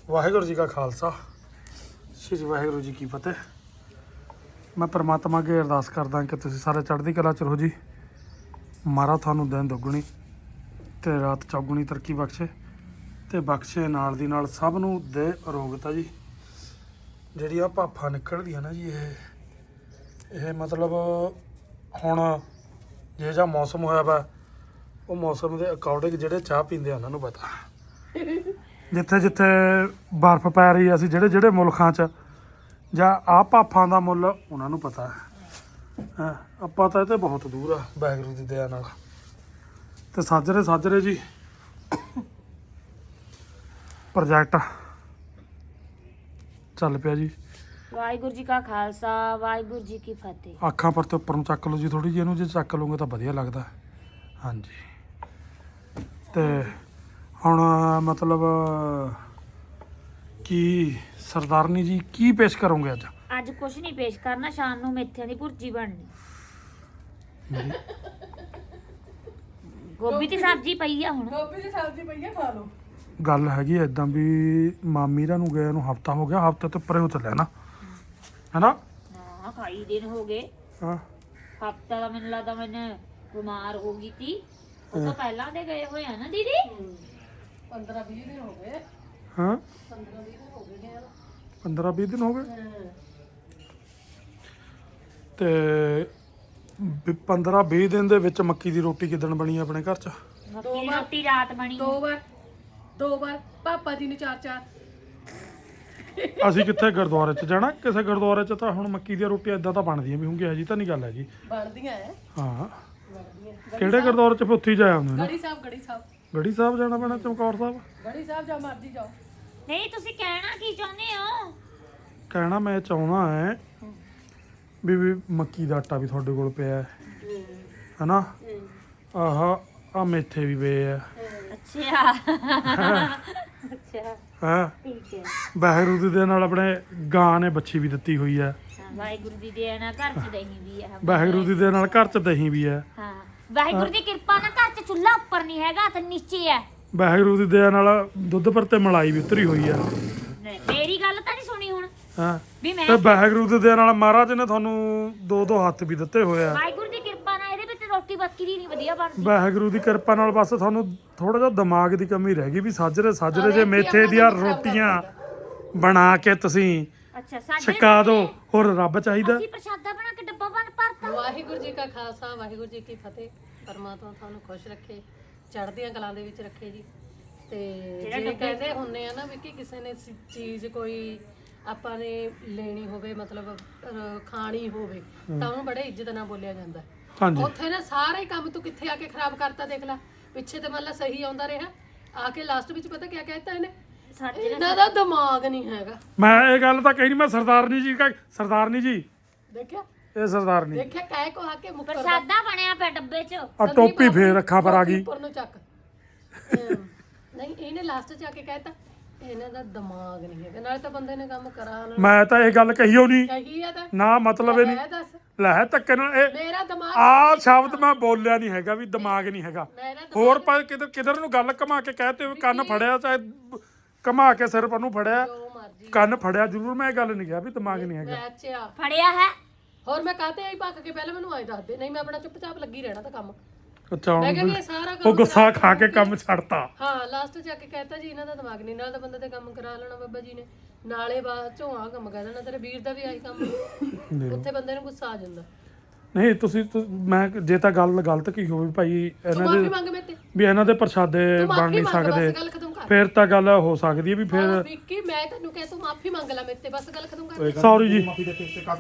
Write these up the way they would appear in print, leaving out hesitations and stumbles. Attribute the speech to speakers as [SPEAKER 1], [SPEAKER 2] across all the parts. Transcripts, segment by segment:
[SPEAKER 1] ਵਾਹਿਗੁਰੂ ਜੀ ਕਾ ਖਾਲਸਾ ਸ਼੍ਰੀ ਵਾਹਿਗੁਰੂ ਜੀ ਕੀ ਫਤਿਹ। ਮੈਂ ਪਰਮਾਤਮਾ ਅੱਗੇ ਅਰਦਾਸ ਕਰਦਾ ਕਿ ਤੁਸੀਂ ਸਾਰੇ ਚੜ੍ਹਦੀ ਕਲਾ ਚ ਰਹੋ ਜੀ। ਮਾਰਾ ਤੁਹਾਨੂੰ ਦਿਨ ਦੁੱਗਣੀ ਤੇ ਰਾਤ ਚੌਗੁਣੀ ਤਰੱਕੀ ਬਖਸ਼ੇ ਤੇ ਬਖਸ਼ੇ ਨਾਲ ਦੀ ਨਾਲ ਸਭ ਨੂੰ ਦੇ ਅਰੋਗਤਾ ਜੀ। ਜਿਹੜੀ ਆ ਭਾਫਾ ਨਿਕਲਦੀਆਂ ਨਾ ਜੀ ਇਹ ਮਤਲਬ ਹੁਣ ਜੇ ਜਾਂ ਮੌਸਮ ਹੋਇਆ ਵਾ ਉਹ ਮੌਸਮ ਦੇ ਅਕੋਰਡਿੰਗ ਜਿਹੜੇ ਚਾਹ ਪੀਂਦੇ ਆ ਉਹਨਾਂ ਨੂੰ ਪਤਾ। ਜਿੱਥੇ ਜਿੱਥੇ ਬਰਫ਼ ਪੈ ਰਹੀ ਆ, ਅਸੀਂ ਜਿਹੜੇ ਜਿਹੜੇ ਮੁਲਕਾਂ 'ਚ ਜਾਂ ਆਹ ਭਾਫਾਂ ਦਾ ਮੁੱਲ ਉਹਨਾਂ ਨੂੰ ਪਤਾ ਹੈ। ਆਪਾਂ ਤਾਂ ਇਹ ਤੇ ਬਹੁਤ ਦੂਰ ਆ ਵਾਹਿਗੁਰੂ ਦੀ ਦਇਆ ਨਾਲ। ਤੇ ਸਾਜਰੇ ਜੀ ਪ੍ਰੋਜੈਕਟ ਚੱਲ ਪਿਆ ਜੀ।
[SPEAKER 2] ਵਾਹਿਗੁਰੂ ਜੀ ਕਾ ਖਾਲਸਾ ਵਾਹਿਗੁਰੂ ਜੀ ਕੀ ਫਤਿਹ।
[SPEAKER 1] ਅੱਖਾਂ ਪਰ ਤੇ ਉੱਪਰ ਨੂੰ ਚੱਕ ਲਓ ਜੀ ਥੋੜੀ ਜਿਹੀ, ਇਹਨੂੰ ਜੇ ਚੱਕ ਲਓਗੇ ਤਾਂ ਵਧੀਆ ਲੱਗਦਾ। ਹਾਂਜੀ ਤੇ ਹੁਣ ਮਤਲਬ ਕੀ ਸਰਦਾਰਨੀ ਜੀ ਕੀ ਪੇਸ਼ ਕਰੋਗੇ ਅੱਜ?
[SPEAKER 2] ਅੱਜ ਕੁਛ ਨਹੀਂ ਪੇਸ਼ ਕਰਨਾ, ਸ਼ਾਮ ਨੂੰ ਮੇਥਿਆਂ ਦੀ ਭੁਰਜੀ ਬਣਨੀ। ਗੋਭੀ ਦੀ ਸਬਜ਼ੀ ਪਈ ਆ, ਹੁਣ
[SPEAKER 3] ਗੋਭੀ ਦੀ ਸਬਜ਼ੀ ਪਈ ਆ, ਖਾ ਲਓ।
[SPEAKER 1] ਗੱਲ ਹੈਗੀ ਐਦਾਂ ਵੀ ਮਾਮੀ ਰਾਂ ਨੂੰ ਗਏ ਨੂੰ ਹਫਤਾ ਹੋ ਗਿਆ, ਹਫਤੇ ਤੋਂ ਪਰੇ ਹੋ ਚੱਲਿਆ ਨਾ, ਹੈਨਾ?
[SPEAKER 2] ਹਾਂ ਕਈ ਦਿਨ ਹੋ ਗਏ।
[SPEAKER 1] ਹਾਂ
[SPEAKER 2] ਹਫਤਾ ਦਾ ਮੈਨੂੰ ਲੱਗਦਾ ਮੈਂ ਬਿਮਾਰ ਹੋ ਗਈ ਸੀ। ਉਹ ਤਾਂ ਪਹਿਲਾਂ ਦੇ ਗਏ ਹੋਏ ਆ ਨਾ ਦੀਦੀ।
[SPEAKER 3] 15-20 ਦਿਨ ਹੋ ਗਏ।
[SPEAKER 1] ਹਾਂ
[SPEAKER 3] 15-20 ਦਿਨ ਹੋ ਗਏ ਨੇ।
[SPEAKER 1] 15-20 ਦਿਨ ਹੋ ਗਏ ਤੇ 15-20 ਦਿਨ ਦੇ ਵਿੱਚ ਮੱਕੀ ਦੀ ਰੋਟੀ ਕਿੱਦਣ ਬਣੀ ਆਪਣੇ ਘਰ 'ਚ?
[SPEAKER 2] ਮੱਕੀ ਦੀ ਰੋਟੀ ਰਾਤ ਬਣੀ।
[SPEAKER 3] ਦੋ ਵਾਰ ਪਾਪਾ ਜੀ ਨੂੰ 4-4।
[SPEAKER 1] ਅਸੀਂ ਕਿੱਥੇ ਗੁਰਦੁਆਰੇ 'ਚ ਜਾਣਾ? ਕਿਸੇ ਗੁਰਦੁਆਰੇ 'ਚ ਤਾਂ ਹੁਣ ਮੱਕੀ ਦੀਆਂ ਰੋਟੀਆਂ ਇਦਾਂ ਤਾਂ ਬਣਦੀਆਂ ਵੀ ਹੋਣਗੀਆਂ ਜੀ, ਤਾਂ ਨਹੀਂ ਗੱਲ ਹੈਗੀ।
[SPEAKER 3] ਬਣਦੀਆਂ ਐ।
[SPEAKER 1] ਹਾਂ
[SPEAKER 3] ਬਣਦੀਆਂ।
[SPEAKER 1] ਕਿਹੜੇ ਗੁਰਦੁਆਰੇ 'ਚ ਫਿਰ ਉੱਥੇ ਹੀ ਜਾਇਆ ਹੁੰਦੇ ਨੇ?
[SPEAKER 3] ਗੜੀ ਸਾਹਿਬ।
[SPEAKER 1] ਗੜੀ ਸਾਹਿਬ ਜਾਣਾ ਪੈਣਾ, ਚਮਕੌਰ ਸਾਹਿਬ।
[SPEAKER 3] ਗੜੀ ਸਾਹਿਬ ਜਾ ਮਰਜੀ ਜਾਓ।
[SPEAKER 2] ਨਹੀਂ ਤੁਸੀਂ ਕਹਿਣਾ ਕੀ ਚਾਹੁੰਦੇ ਹੋ?
[SPEAKER 1] ਕਹਿਣਾ ਮੈਂ ਚਾਹੁੰਦਾ ਹੈ ਵੀ ਮੱਕੀ ਦਾ ਆਟਾ ਵੀ ਤੁਹਾਡੇ ਕੋਲ ਪਿਆ ਹੈ, ਹਨਾ? ਆਹ ਮੇਥੇ ਵੀ ਪਏ ਆ।
[SPEAKER 2] ਅੱਛਾ ਅੱਛਾ
[SPEAKER 1] ਹਾਂ
[SPEAKER 2] ਠੀਕ ਹੈ।
[SPEAKER 1] ਵਾਹਿਗੁਰੂ ਦੇ ਨਾਲ ਆਪਣੇ ਗਾਂ ਨੇ ਬੱਚੀ ਵੀ ਦਿੱਤੀ ਹੋਈ ਹੈ।
[SPEAKER 2] ਵਾਹਿਗੁਰੂ ਦੀ ਦਇਆ ਨਾਲ ਘਰ ਚ ਦਹੀਂ ਵੀ ਹੈ।
[SPEAKER 1] ਵਾਹਿਗੁਰੂ ਦੇ ਨਾਲ ਘਰ 'ਚ ਦਹੀਂ ਵੀ ਹੈ।
[SPEAKER 2] ਹਾਂ ਵਾਹਿਗੁਰੂ ਦੀ ਕਿਰਪਾ ਨਾਲ ਘਰ ਚ ਚੁੱਲ੍ਹਾ ਉੱਪਰ ਨਹੀਂ ਹੈਗਾ ਤੇ ਨੀਚੇ ਹੈ।
[SPEAKER 1] ਵਾਹਿਗੁਰੂ ਦੀ ਦਇਆ ਨਾਲ ਦੁੱਧ ਪਰ ਤੇ ਮਲਾਈ ਵੀ ਉਤਰੀ ਹੋਈ ਹੈ।
[SPEAKER 2] ਮੇਰੀ ਗੱਲ ਤਾਂ ਨਹੀਂ ਸੁਣੀ ਹੁਣ
[SPEAKER 1] ਹਾਂ
[SPEAKER 2] ਵੀ ਮੈਂ
[SPEAKER 1] ਤੇ ਵਾਹਿਗੁਰੂ ਦੀ ਦਇਆ ਨਾਲ ਮਹਾਰਾਜ ਨੇ ਤੁਹਾਨੂੰ ਦੋ ਹੱਥ ਵੀ ਦਿੱਤੇ ਹੋਏ ਆ।
[SPEAKER 2] ਵਾਹਿਗੁਰੂ ਦੀ ਕਿਰਪਾ ਨਾਲ ਇਹਦੇ ਵਿੱਚ ਰੋਟੀ ਬੱਕਰੀ ਨਹੀਂ ਵਧੀਆ ਬਣਦੀ।
[SPEAKER 1] ਵਾਹਿਗੁਰੂ ਦੀ ਕਿਰਪਾ ਨਾਲ ਬਸ ਤੁਹਾਨੂੰ ਥੋੜਾ ਜਿਹਾ ਦਿਮਾਗ ਦੀ ਕਮੀ ਰਹਿ ਗਈ ਵੀ ਸਾਜਰੇ ਜੇ ਮੇਥੇ ਦੀਆਂ ਰੋਟੀਆਂ ਬਣਾ ਕੇ ਤੁਸੀਂ
[SPEAKER 2] ਅੱਛਾ ਸਾਡੇ
[SPEAKER 1] ਛਕਾ ਦਿਓ, ਹੋਰ ਰੱਬ ਚਾਹੀਦਾ।
[SPEAKER 2] ਅਸੀਂ ਪ੍ਰਸ਼ਾਦਾ ਬਣਾ ਕੇ ਡੱਬਾ ਬਣ ਭਰਤਾ।
[SPEAKER 3] ਵਾਹਿਗੁਰੂ ਜੀ ਕਾ ਖਾਲਸਾ ਵਾਹਿਗੁਰੂ ਜੀ ਕੀ ਫਤਿਹ। ਪਰਮਾਤਮਾ ਤੁਹਾਨੂੰ ਖੁਸ਼ ਰੱਖੇ, ਚੜ੍ਹਦੀਆਂ ਕਲਾਂ ਦੇ ਵਿੱਚ ਰੱਖੇ ਜੀ। ਤੇ ਜਿਹੜੇ ਕਹਿੰਦੇ ਹੁੰਨੇ ਆ ਨਾ ਵੀ ਕਿ ਕਿਸੇ ਨੇ ਚੀਜ਼ ਕੋਈ ਆਪਾਂ ਨੇ ਲੈਣੀ ਹੋਵੇ, ਮਤਲਬ ਖਾਣੀ ਹੋਵੇ, ਤਾਂ ਉਹਨੂੰ ਬੜੇ ਇੱਜ਼ਤ ਨਾਲ ਬੋਲਿਆ ਜਾਂਦਾ।
[SPEAKER 1] ਹਾਂਜੀ
[SPEAKER 3] ਉੱਥੇ ਨਾ ਸਾਰੇ ਕੰਮ ਤੂੰ ਕਿੱਥੇ ਆ ਕੇ ਖਰਾਬ ਕਰਤਾ, ਦੇਖ ਲੈ। ਪਿੱਛੇ ਤੇ ਮਤਲਬ ਸਹੀ ਆਉਂਦਾ ਰਿਹਾ, ਆ ਕੇ ਲਾਸਟ ਵਿੱਚ ਪਤਾ ਕਿਆ ਕਹਿਤਾ ਇਹਨੇ?
[SPEAKER 2] ਸਾਡੇ
[SPEAKER 3] ਇਹਨਾਂ ਦਾ ਦਿਮਾਗ ਨਹੀਂ ਹੈਗਾ।
[SPEAKER 1] ਮੈਂ ਇਹ ਗੱਲ ਤਾਂ ਕਹੀ ਨਹੀਂ, ਮੈਂ ਸਰਦਾਰਨੀ ਜੀ
[SPEAKER 3] ਦੇਖਿਆ
[SPEAKER 1] ਇਹ ਸਰਦਾਰਨੀ
[SPEAKER 3] ਦੇਖਿਆ ਕਹਿ ਕੋ ਆ ਕੇ ਮੁੱਕਰ
[SPEAKER 2] ਪ੍ਰਸ਼ਾਦਾ ਬਣਿਆ ਪਿਆ ਡੱਬੇ 'ਚ।
[SPEAKER 1] ਆ ਟੋਪੀ ਫੇਰ ਅੱਖਾਂ ਪਰ ਆ ਗਈ।
[SPEAKER 3] ਉੱਪਰ ਨੂੰ ਚੱਕ। ਨਹੀਂ ਇਹਨੇ ਲਾਸਟ 'ਚ ਆ ਕੇ ਕਹਿਤਾ ਇਹਨਾਂ ਦਾ ਦਿਮਾਗ ਨਹੀਂ ਹੈਗਾ। ਨਾਲੇ ਤਾਂ ਬੰਦੇ ਨੇ ਕੰਮ ਕਰਾ ਲੈਣਾ।
[SPEAKER 1] ਮੈਂ ਤਾਂ ਇਹ ਗੱਲ ਕਹੀ ਓ ਨਹੀਂ
[SPEAKER 3] ਕਹੀ ਆ ਤਾਂ
[SPEAKER 1] ਨਾ, ਮਤਲਬ ਇਹ ਨਹੀਂ
[SPEAKER 3] ਮੈਂ ਦੱਸ
[SPEAKER 1] ਲੈ ਧੱਕੇ ਨਾਲ ਇਹ
[SPEAKER 3] ਮੇਰਾ ਦਿਮਾਗ
[SPEAKER 1] ਆ ਸ਼ਬਦ ਮੈਂ ਬੋਲਿਆ ਨਹੀਂ ਹੈਗਾ ਵੀ ਦਿਮਾਗ ਨਹੀਂ ਹੈਗਾ।
[SPEAKER 3] ਮੇਰਾ
[SPEAKER 1] ਹੋਰ ਪਰ ਕਿਧਰ ਨੂੰ ਗੱਲ ਘੁਮਾ ਕੇ ਕਹਤੇ ਹੋਏ ਕੰਨ ਫੜਿਆ, ਚਾਹੇ ਘੁਮਾ ਕੇ ਸਿਰ ਪਰ ਨੂੰ ਫੜਿਆ,
[SPEAKER 3] ਜੋ ਮਰਜੀ
[SPEAKER 1] ਕੰਨ ਫੜਿਆ ਜ਼ਰੂਰ। ਮੈਂ ਇਹ ਗੱਲ ਨਹੀਂ ਕਿਹਾ ਵੀ ਦਿਮਾਗ ਨਹੀਂ ਹੈਗਾ।
[SPEAKER 3] ਮੈਂ ਅੱਛਾ
[SPEAKER 2] ਫੜਿਆ ਹੈ।
[SPEAKER 3] ਹੋਰ ਮੈਂ ਕਾਹਤੇ ਆਈ ਭੱਕ ਕੇ? ਪਹਿਲਾਂ ਮੈਨੂੰ ਆਏ ਦੱਸ ਦੇ, ਨਹੀਂ ਮੈਂ ਆਪਣਾ ਚੁੱਪਚਾਪ ਲੱਗੀ ਰਹਿਣਾ ਤਾਂ ਕੰਮ।
[SPEAKER 1] ਅੱਛਾ
[SPEAKER 3] ਮੈਂ ਕਿਹਾ ਵੀ
[SPEAKER 1] ਹੁਣ
[SPEAKER 3] ਇਹ ਸਾਰਾ
[SPEAKER 1] ਉਹ
[SPEAKER 3] ਕੰਮ
[SPEAKER 1] ਗੁੱਸਾ ਖਾ ਕੇ ਕੰਮ ਛੱਡਤਾ।
[SPEAKER 3] ਹਾਂ ਲਾਸਟ 'ਚ ਆ ਕੇ ਕਹਿਤਾ ਜੀ ਇਹਨਾਂ ਦਾ ਦਿਮਾਗ ਨਹੀਂ। ਨਾਲ ਤਾਂ ਬੰਦੇ ਤੇ ਕੰਮ ਕਰਾ ਲੈਣਾ ਬਾਬਾ ਜੀ ਨੇ, ਨਾਲੇ ਬਾਅਦ ਚੋਂ ਆ ਕੰਮ ਕਹਿ ਦੇਣਾ। ਤੇਰੇ ਵੀਰ ਦਾ ਵੀ ਆਹੀ ਕੰਮ। ਉੱਥੇ ਬੰਦੇ ਨੂੰ ਗੁੱਸਾ ਆ ਜਾਂਦਾ।
[SPEAKER 1] ਨਹੀਂ ਮੈਂ ਜੇ ਤਾਂ ਗੱਲ ਗਲਤ ਕੀ ਹੋਵੇ ਭਾਈ
[SPEAKER 3] ਤੂੰ
[SPEAKER 1] ਇਹਨਾਂ
[SPEAKER 3] ਮਾਫੀ
[SPEAKER 1] ਦੇ
[SPEAKER 3] ਮੰਗ ਮੇਰੇ ਤੇ।
[SPEAKER 1] ਵੀ ਇਹਨਾਂ ਦੇ ਪ੍ਰਸ਼ਾਦੇ
[SPEAKER 3] ਤੂੰ
[SPEAKER 1] ਬਣ
[SPEAKER 3] ਮਾਫੀ
[SPEAKER 1] ਨਹੀਂ
[SPEAKER 3] ਮੰਗ,
[SPEAKER 1] ਸਕਦੇ,
[SPEAKER 3] ਬਸ ਗੱਲ ਖਤਮ ਕਰ।
[SPEAKER 1] ਫਿਰ ਤਾਂ ਗੱਲ ਹੋ ਸਕਦੀ ਹੈ ਵੀ ਫਿਰ
[SPEAKER 3] ਵਿੱਕੀ ਮੈਂ ਤੈਨੂੰ ਕਹਿ ਤੂੰ ਮਾਫੀ ਮੰਗ ਲੈ ਮੇਰੇ ਤੇ, ਬਸ ਗੱਲ ਖਤਮ ਕਰ।
[SPEAKER 1] ਸੌਰੀ ਜੀ
[SPEAKER 3] ਸੌਰੀ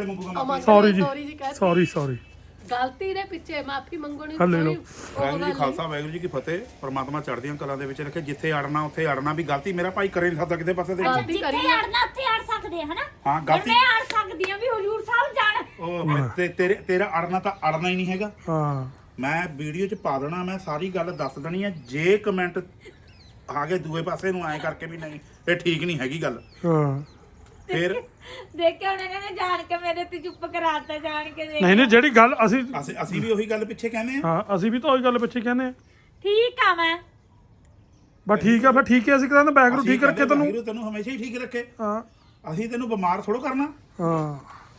[SPEAKER 3] ਜੀ
[SPEAKER 1] ਸੌਰੀ
[SPEAKER 3] ਗਲਤੀ ਦੇ ਪਿੱਛੇ ਮਾਫੀ ਮੰਗਣੀ
[SPEAKER 1] ਹੱਲੇ ਲਓ।
[SPEAKER 4] ਵਾਹਿਗੁਰੂ ਜੀ ਖਾਲਸਾ ਵਾਹਿਗੁਰੂ ਜੀ ਕੀ ਫਤਿਹ। ਪਰਮਾਤਮਾ ਚੜ੍ਹਦੀਆਂ ਕਲਾਂ ਦੇ ਵਿੱਚ ਰੱਖੇ। ਜਿੱਥੇ ਅੜਨਾ ਉੱਥੇ ਅੜਨਾ ਵੀ ਗਲਤੀ ਮੇਰਾ ਭਾਈ ਕਰੇ ਨਹੀਂ ਸਕਦਾ ਕਿਤੇ ਪਾਸੇ ਤੇ।
[SPEAKER 3] ਗਲਤੀ
[SPEAKER 2] ਜਿੱਥੇ
[SPEAKER 3] ਕਰੀ
[SPEAKER 2] ਅੜਨਾ ਉੱਥੇ ਅੜ ਸਕਦੇ ਹਨਾ।
[SPEAKER 4] ਹਾਂ ਗਲਤੀ
[SPEAKER 2] ਮੈਂ ਅੜ ਸਕਦੀ ਆ ਵੀ ਹਜੂਰ ਸਾਹਿਬ ਜਾਣ।
[SPEAKER 4] ਉਹ ਤੇਰਾ ਅੜਨਾ ਤਾਂ ਅੜਨਾ ਹੀ ਨਹੀਂ ਹੈਗਾ।
[SPEAKER 1] ਹਾਂ
[SPEAKER 4] ਮੈਂ ਵੀਡੀਓ 'ਚ ਪਾ ਦੇਣਾ, ਮੈਂ ਸਾਰੀ ਗੱਲ ਦੱਸ ਦੇਣੀ ਆ। ਜੇ ਕਮੈਂਟ ਆ ਗਏ ਦੂਏ ਪਾਸੇ ਨੂੰ ਐਂ ਕਰਕੇ ਵੀ ਨਹੀਂ ਇਹ ਠੀਕ ਨਹੀਂ ਹੈਗੀ ਗੱਲ,
[SPEAKER 1] ਹਾਂ
[SPEAKER 4] ਫਿਰ
[SPEAKER 2] ਦੇਖਿਆ ਉਹਨਾਂ ਨੇ ਜਾਣ ਕੇ ਮੇਰੇ ਤੇ ਚੁੱਪ ਕਰਾਤਾ ਜਾਣ ਕੇ।
[SPEAKER 1] ਨਹੀਂ ਜਿਹੜੀ ਗੱਲ
[SPEAKER 4] ਅਸੀਂ ਵੀ ਉਹੀ ਗੱਲ ਪਿੱਛੇ ਕਹਿੰਦੇ ਆ।
[SPEAKER 1] ਹਾਂ ਅਸੀਂ ਵੀ ਤਾਂ ਉਹੀ ਗੱਲ ਪਿੱਛੇ ਕਹਿੰਦੇ ਆ।
[SPEAKER 2] ਠੀਕ ਆ ਮੈਂ
[SPEAKER 1] ਬਸ ਠੀਕ ਆ, ਫਿਰ ਠੀਕ ਹੈ, ਅਸੀਂ ਕਹਿੰਦੇ ਵਾਹਿਗੁਰੂ ਠੀਕ ਰੱਖੇ ਤੈਨੂੰ।
[SPEAKER 4] ਵਾਹਿਗੁਰੂ ਤੈਨੂੰ ਹਮੇਸ਼ਾ ਹੀ ਠੀਕ ਰੱਖੇ।
[SPEAKER 1] ਹਾਂ
[SPEAKER 4] ਅਸੀਂ ਤੈਨੂੰ ਬਿਮਾਰ ਥੋੜੋ ਕਰਨਾ।
[SPEAKER 1] ਹਾਂ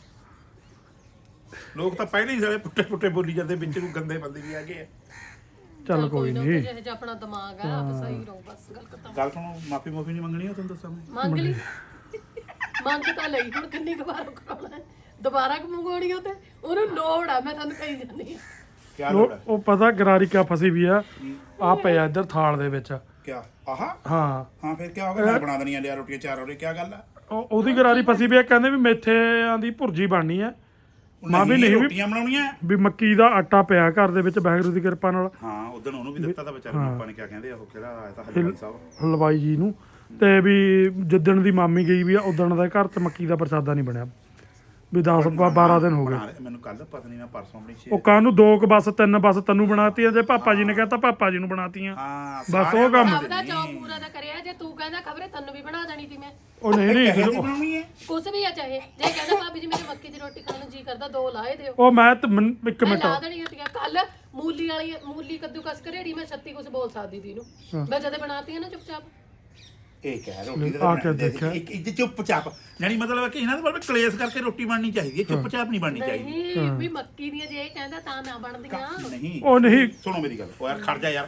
[SPEAKER 4] ਲੋਕ ਤਾਂ ਪਹਿਲਾਂ ਹੀ ਸਾਰੇ ਪੁੱਟੇ ਪੁੱਟੇ ਬੋਲੀ ਜਾਂਦੇ, ਵਿੱਚ ਨੂੰ ਗੰਦੇ ਬੰਦੇ ਵੀ ਹੈਗੇ ਆ।
[SPEAKER 1] ਚੱਲ ਕੋਈ ਨਹੀਂ,
[SPEAKER 3] ਜਿਹੇ ਜਿਹਾ ਆਪਣਾ ਦਿਮਾਗ ਆ ਆਪ ਸਹੀ ਰਹੋ ਬਸ, ਗੱਲ ਖਤਮ।
[SPEAKER 4] ਗੱਲ ਸੁਣੋ, ਮਾਫੀ ਨਹੀਂ ਮੰਗਣੀ ਉਹ ਤੁਹਾਨੂੰ ਦੱਸਾਂ ਮੈਂ।
[SPEAKER 3] ਮੰਗ ਲਈ, ਮੰਗ ਤਾਂ ਲਈ, ਹੁਣ ਕਿੰਨੀ ਕੁ ਵਾਰ ਕਰਾਉਣਾ ਹੈ? ਦੁਬਾਰਾ ਕਿ ਮੰਗਵਾਉਣੀ ਉਹ ਤੇ ਉਹਨੂੰ ਲੋੜ ਆ, ਮੈਂ ਤੁਹਾਨੂੰ ਕਹੀ ਜਾਂਦੀ ਆ।
[SPEAKER 4] ਕਿਆ ਲੋੜ ਹੈ?
[SPEAKER 1] ਉਹ ਪਤਾ ਗਰਾਰੀ ਕਿਆ ਫਸੀ ਵੀ ਆ ਪਿਆ ਇੱਧਰ ਥਾਲ ਦੇ ਵਿੱਚ।
[SPEAKER 4] ਕਿਆ ਆਹਾ?
[SPEAKER 1] ਹਾਂ
[SPEAKER 4] ਹਾਂ ਫਿਰ ਕਿਆ ਹੋ ਗਿਆ? ਮੈਂ ਬਣਾ ਦੇਣੀਆਂ ਲਿਆ ਰੋਟੀਆਂ 4 ਰੋਟੀ, ਕਿਆ ਗੱਲ ਆ?
[SPEAKER 1] ਉਹਦੀ ਗਰਾਰੀ ਫਸੀ ਵੀ ਆ, ਕਹਿੰਦੇ ਵੀ ਮੇਥਿਆਂ ਦੀ ਭੁਰਜੀ ਬਣਨੀ ਹੈ। ਮਾਂ ਵੀ ਨਹੀਂ ਵੀ
[SPEAKER 4] ਰੋਟੀਆਂ ਬਣਾਉਣੀਆਂ।
[SPEAKER 1] ਵੀ ਮੱਕੀ ਦਾ ਆਟਾ ਪਿਆ ਘਰ ਦੇ ਵਿੱਚ ਵਾਹਿਗੁਰੂ ਦੀ ਕਿਰਪਾ ਨਾਲ।
[SPEAKER 4] ਹਾਂ ਉਦੋਂ ਉਹਨੂੰ ਵੀ ਦਿੱਤਾ ਤਾਂ ਵਿਚਾਰੇ ਨੂੰ, ਆਪਾਂ ਨੇ ਕਿਆ ਕਹਿੰਦੇ ਆ ਉਹ ਕਿਹੜਾ ਆਇਆ ਤਾਂ ਹਲਵਾਈ ਸਾਹਿਬ,
[SPEAKER 1] ਹਲਵਾਈ ਜੀ ਨੂੰ। ਤੇ ਵੀ ਜਿੱਦਣ ਦੀ ਮਾਮੀ ਗਈ ਵੀ ਆ ਉਦਣ ਦਾ ਘਰ 'ਚ ਮੱਕੀ ਦਾ ਪ੍ਰਸ਼ਾਦਾ ਨਹੀਂ ਬਣਿਆ, ਵੀ 10-12 ਦਿਨ ਹੋ ਗਏ।
[SPEAKER 4] ਮੈਨੂੰ ਕੱਲ ਪਤਾ ਨਹੀਂ, ਮੈਂ ਪਰਸੋਂ ਆਪਣੀ
[SPEAKER 1] ਉਹ ਕਾਹਨੂੰ 2 ਬਸ 3 ਬਸ ਤੈਨੂੰ ਬਣਾਤੀਆਂ, ਜੇ ਪਾਪਾ ਜੀ ਨੇ ਕਹਿਤਾ ਪਾਪਾ ਜੀ ਨੂੰ ਬਣਾਤੀਆਂ।
[SPEAKER 4] ਹਾਂ
[SPEAKER 1] ਬਸ ਉਹ ਕੰਮ।
[SPEAKER 3] ਸਭ ਦਾ ਚੌਕ ਪੂਰਾ ਤਾਂ ਕਰਿਆ, ਜੇ ਤੂੰ ਕਹਿੰਦਾ ਖਬਰੇ ਤੈਨੂੰ ਵੀ ਬਣਾ ਦੇਣੀ ਸੀ ਮੈਂ।
[SPEAKER 1] ਉਹ ਨਹੀਂ
[SPEAKER 4] ਬਣਾਉਣੀ ਹੈ।
[SPEAKER 3] ਕੁਛ ਵੀ ਆ ਚਾਹੇ, ਜੇ ਕਹਿੰਦਾ ਭਾਬੀ ਜੀ ਮੇਰੇ ਮੱਕੀ ਦੀ ਰੋਟੀ ਖਾਣ ਨੂੰ ਜੀ ਕਰਦਾ 2 ਲਾਏ ਦਿਓ,
[SPEAKER 1] ਉਹ ਮੈਂ ਤੇ ਇੱਕ
[SPEAKER 3] ਮੈਂ
[SPEAKER 1] ਮਿੰਟ
[SPEAKER 3] ਲਾ ਦੇਣੀ ਹੁੰਦੀ। ਕੱਲ ਮੂਲੀ ਕੱਦੂਕਸ ਕਰੇੜੀ ਮੈਂ 36 ਕੁਛ ਬੋਲ ਸਕਦੀ ਸੀ ਇਹਨੂੰ, ਮੈਂ ਜਦੇ ਬਣਾਤੀ ਹੈ ਨਾ ਚੁੱਪਚਾਪ।
[SPEAKER 4] ਇਹ ਕਹਿ ਰੋਟੀ ਦਾ ਇੱਕ ਇੱਜ਼ਤ ਚੁੱਪਚਾਪ, ਯਾਨੀ ਮਤਲਬ ਕਿ ਇਹਨਾਂ ਦੇ ਬਾਰੇ ਕਲੇਸ਼ ਕਰਕੇ ਰੋਟੀ ਬਣਨੀ ਚਾਹੀਦੀ ਹੈ, ਚੁੱਪਚਾਪ ਨਹੀਂ ਬਣਨੀ ਚਾਹੀਦੀ।
[SPEAKER 3] ਨਹੀਂ ਵੀ ਮੱਕੀ ਦੀਆਂ ਜੇ ਇਹ ਕਹਿੰਦਾ ਤਾਂ ਨਾ ਬਣਦੀਆਂ।
[SPEAKER 4] ਨਹੀਂ
[SPEAKER 1] ਉਹ ਨਹੀਂ
[SPEAKER 4] ਸੁਣੋ ਮੇਰੀ ਗੱਲ, ਉਹ ਯਾਰ ਖੜ ਜਾ ਯਾਰ,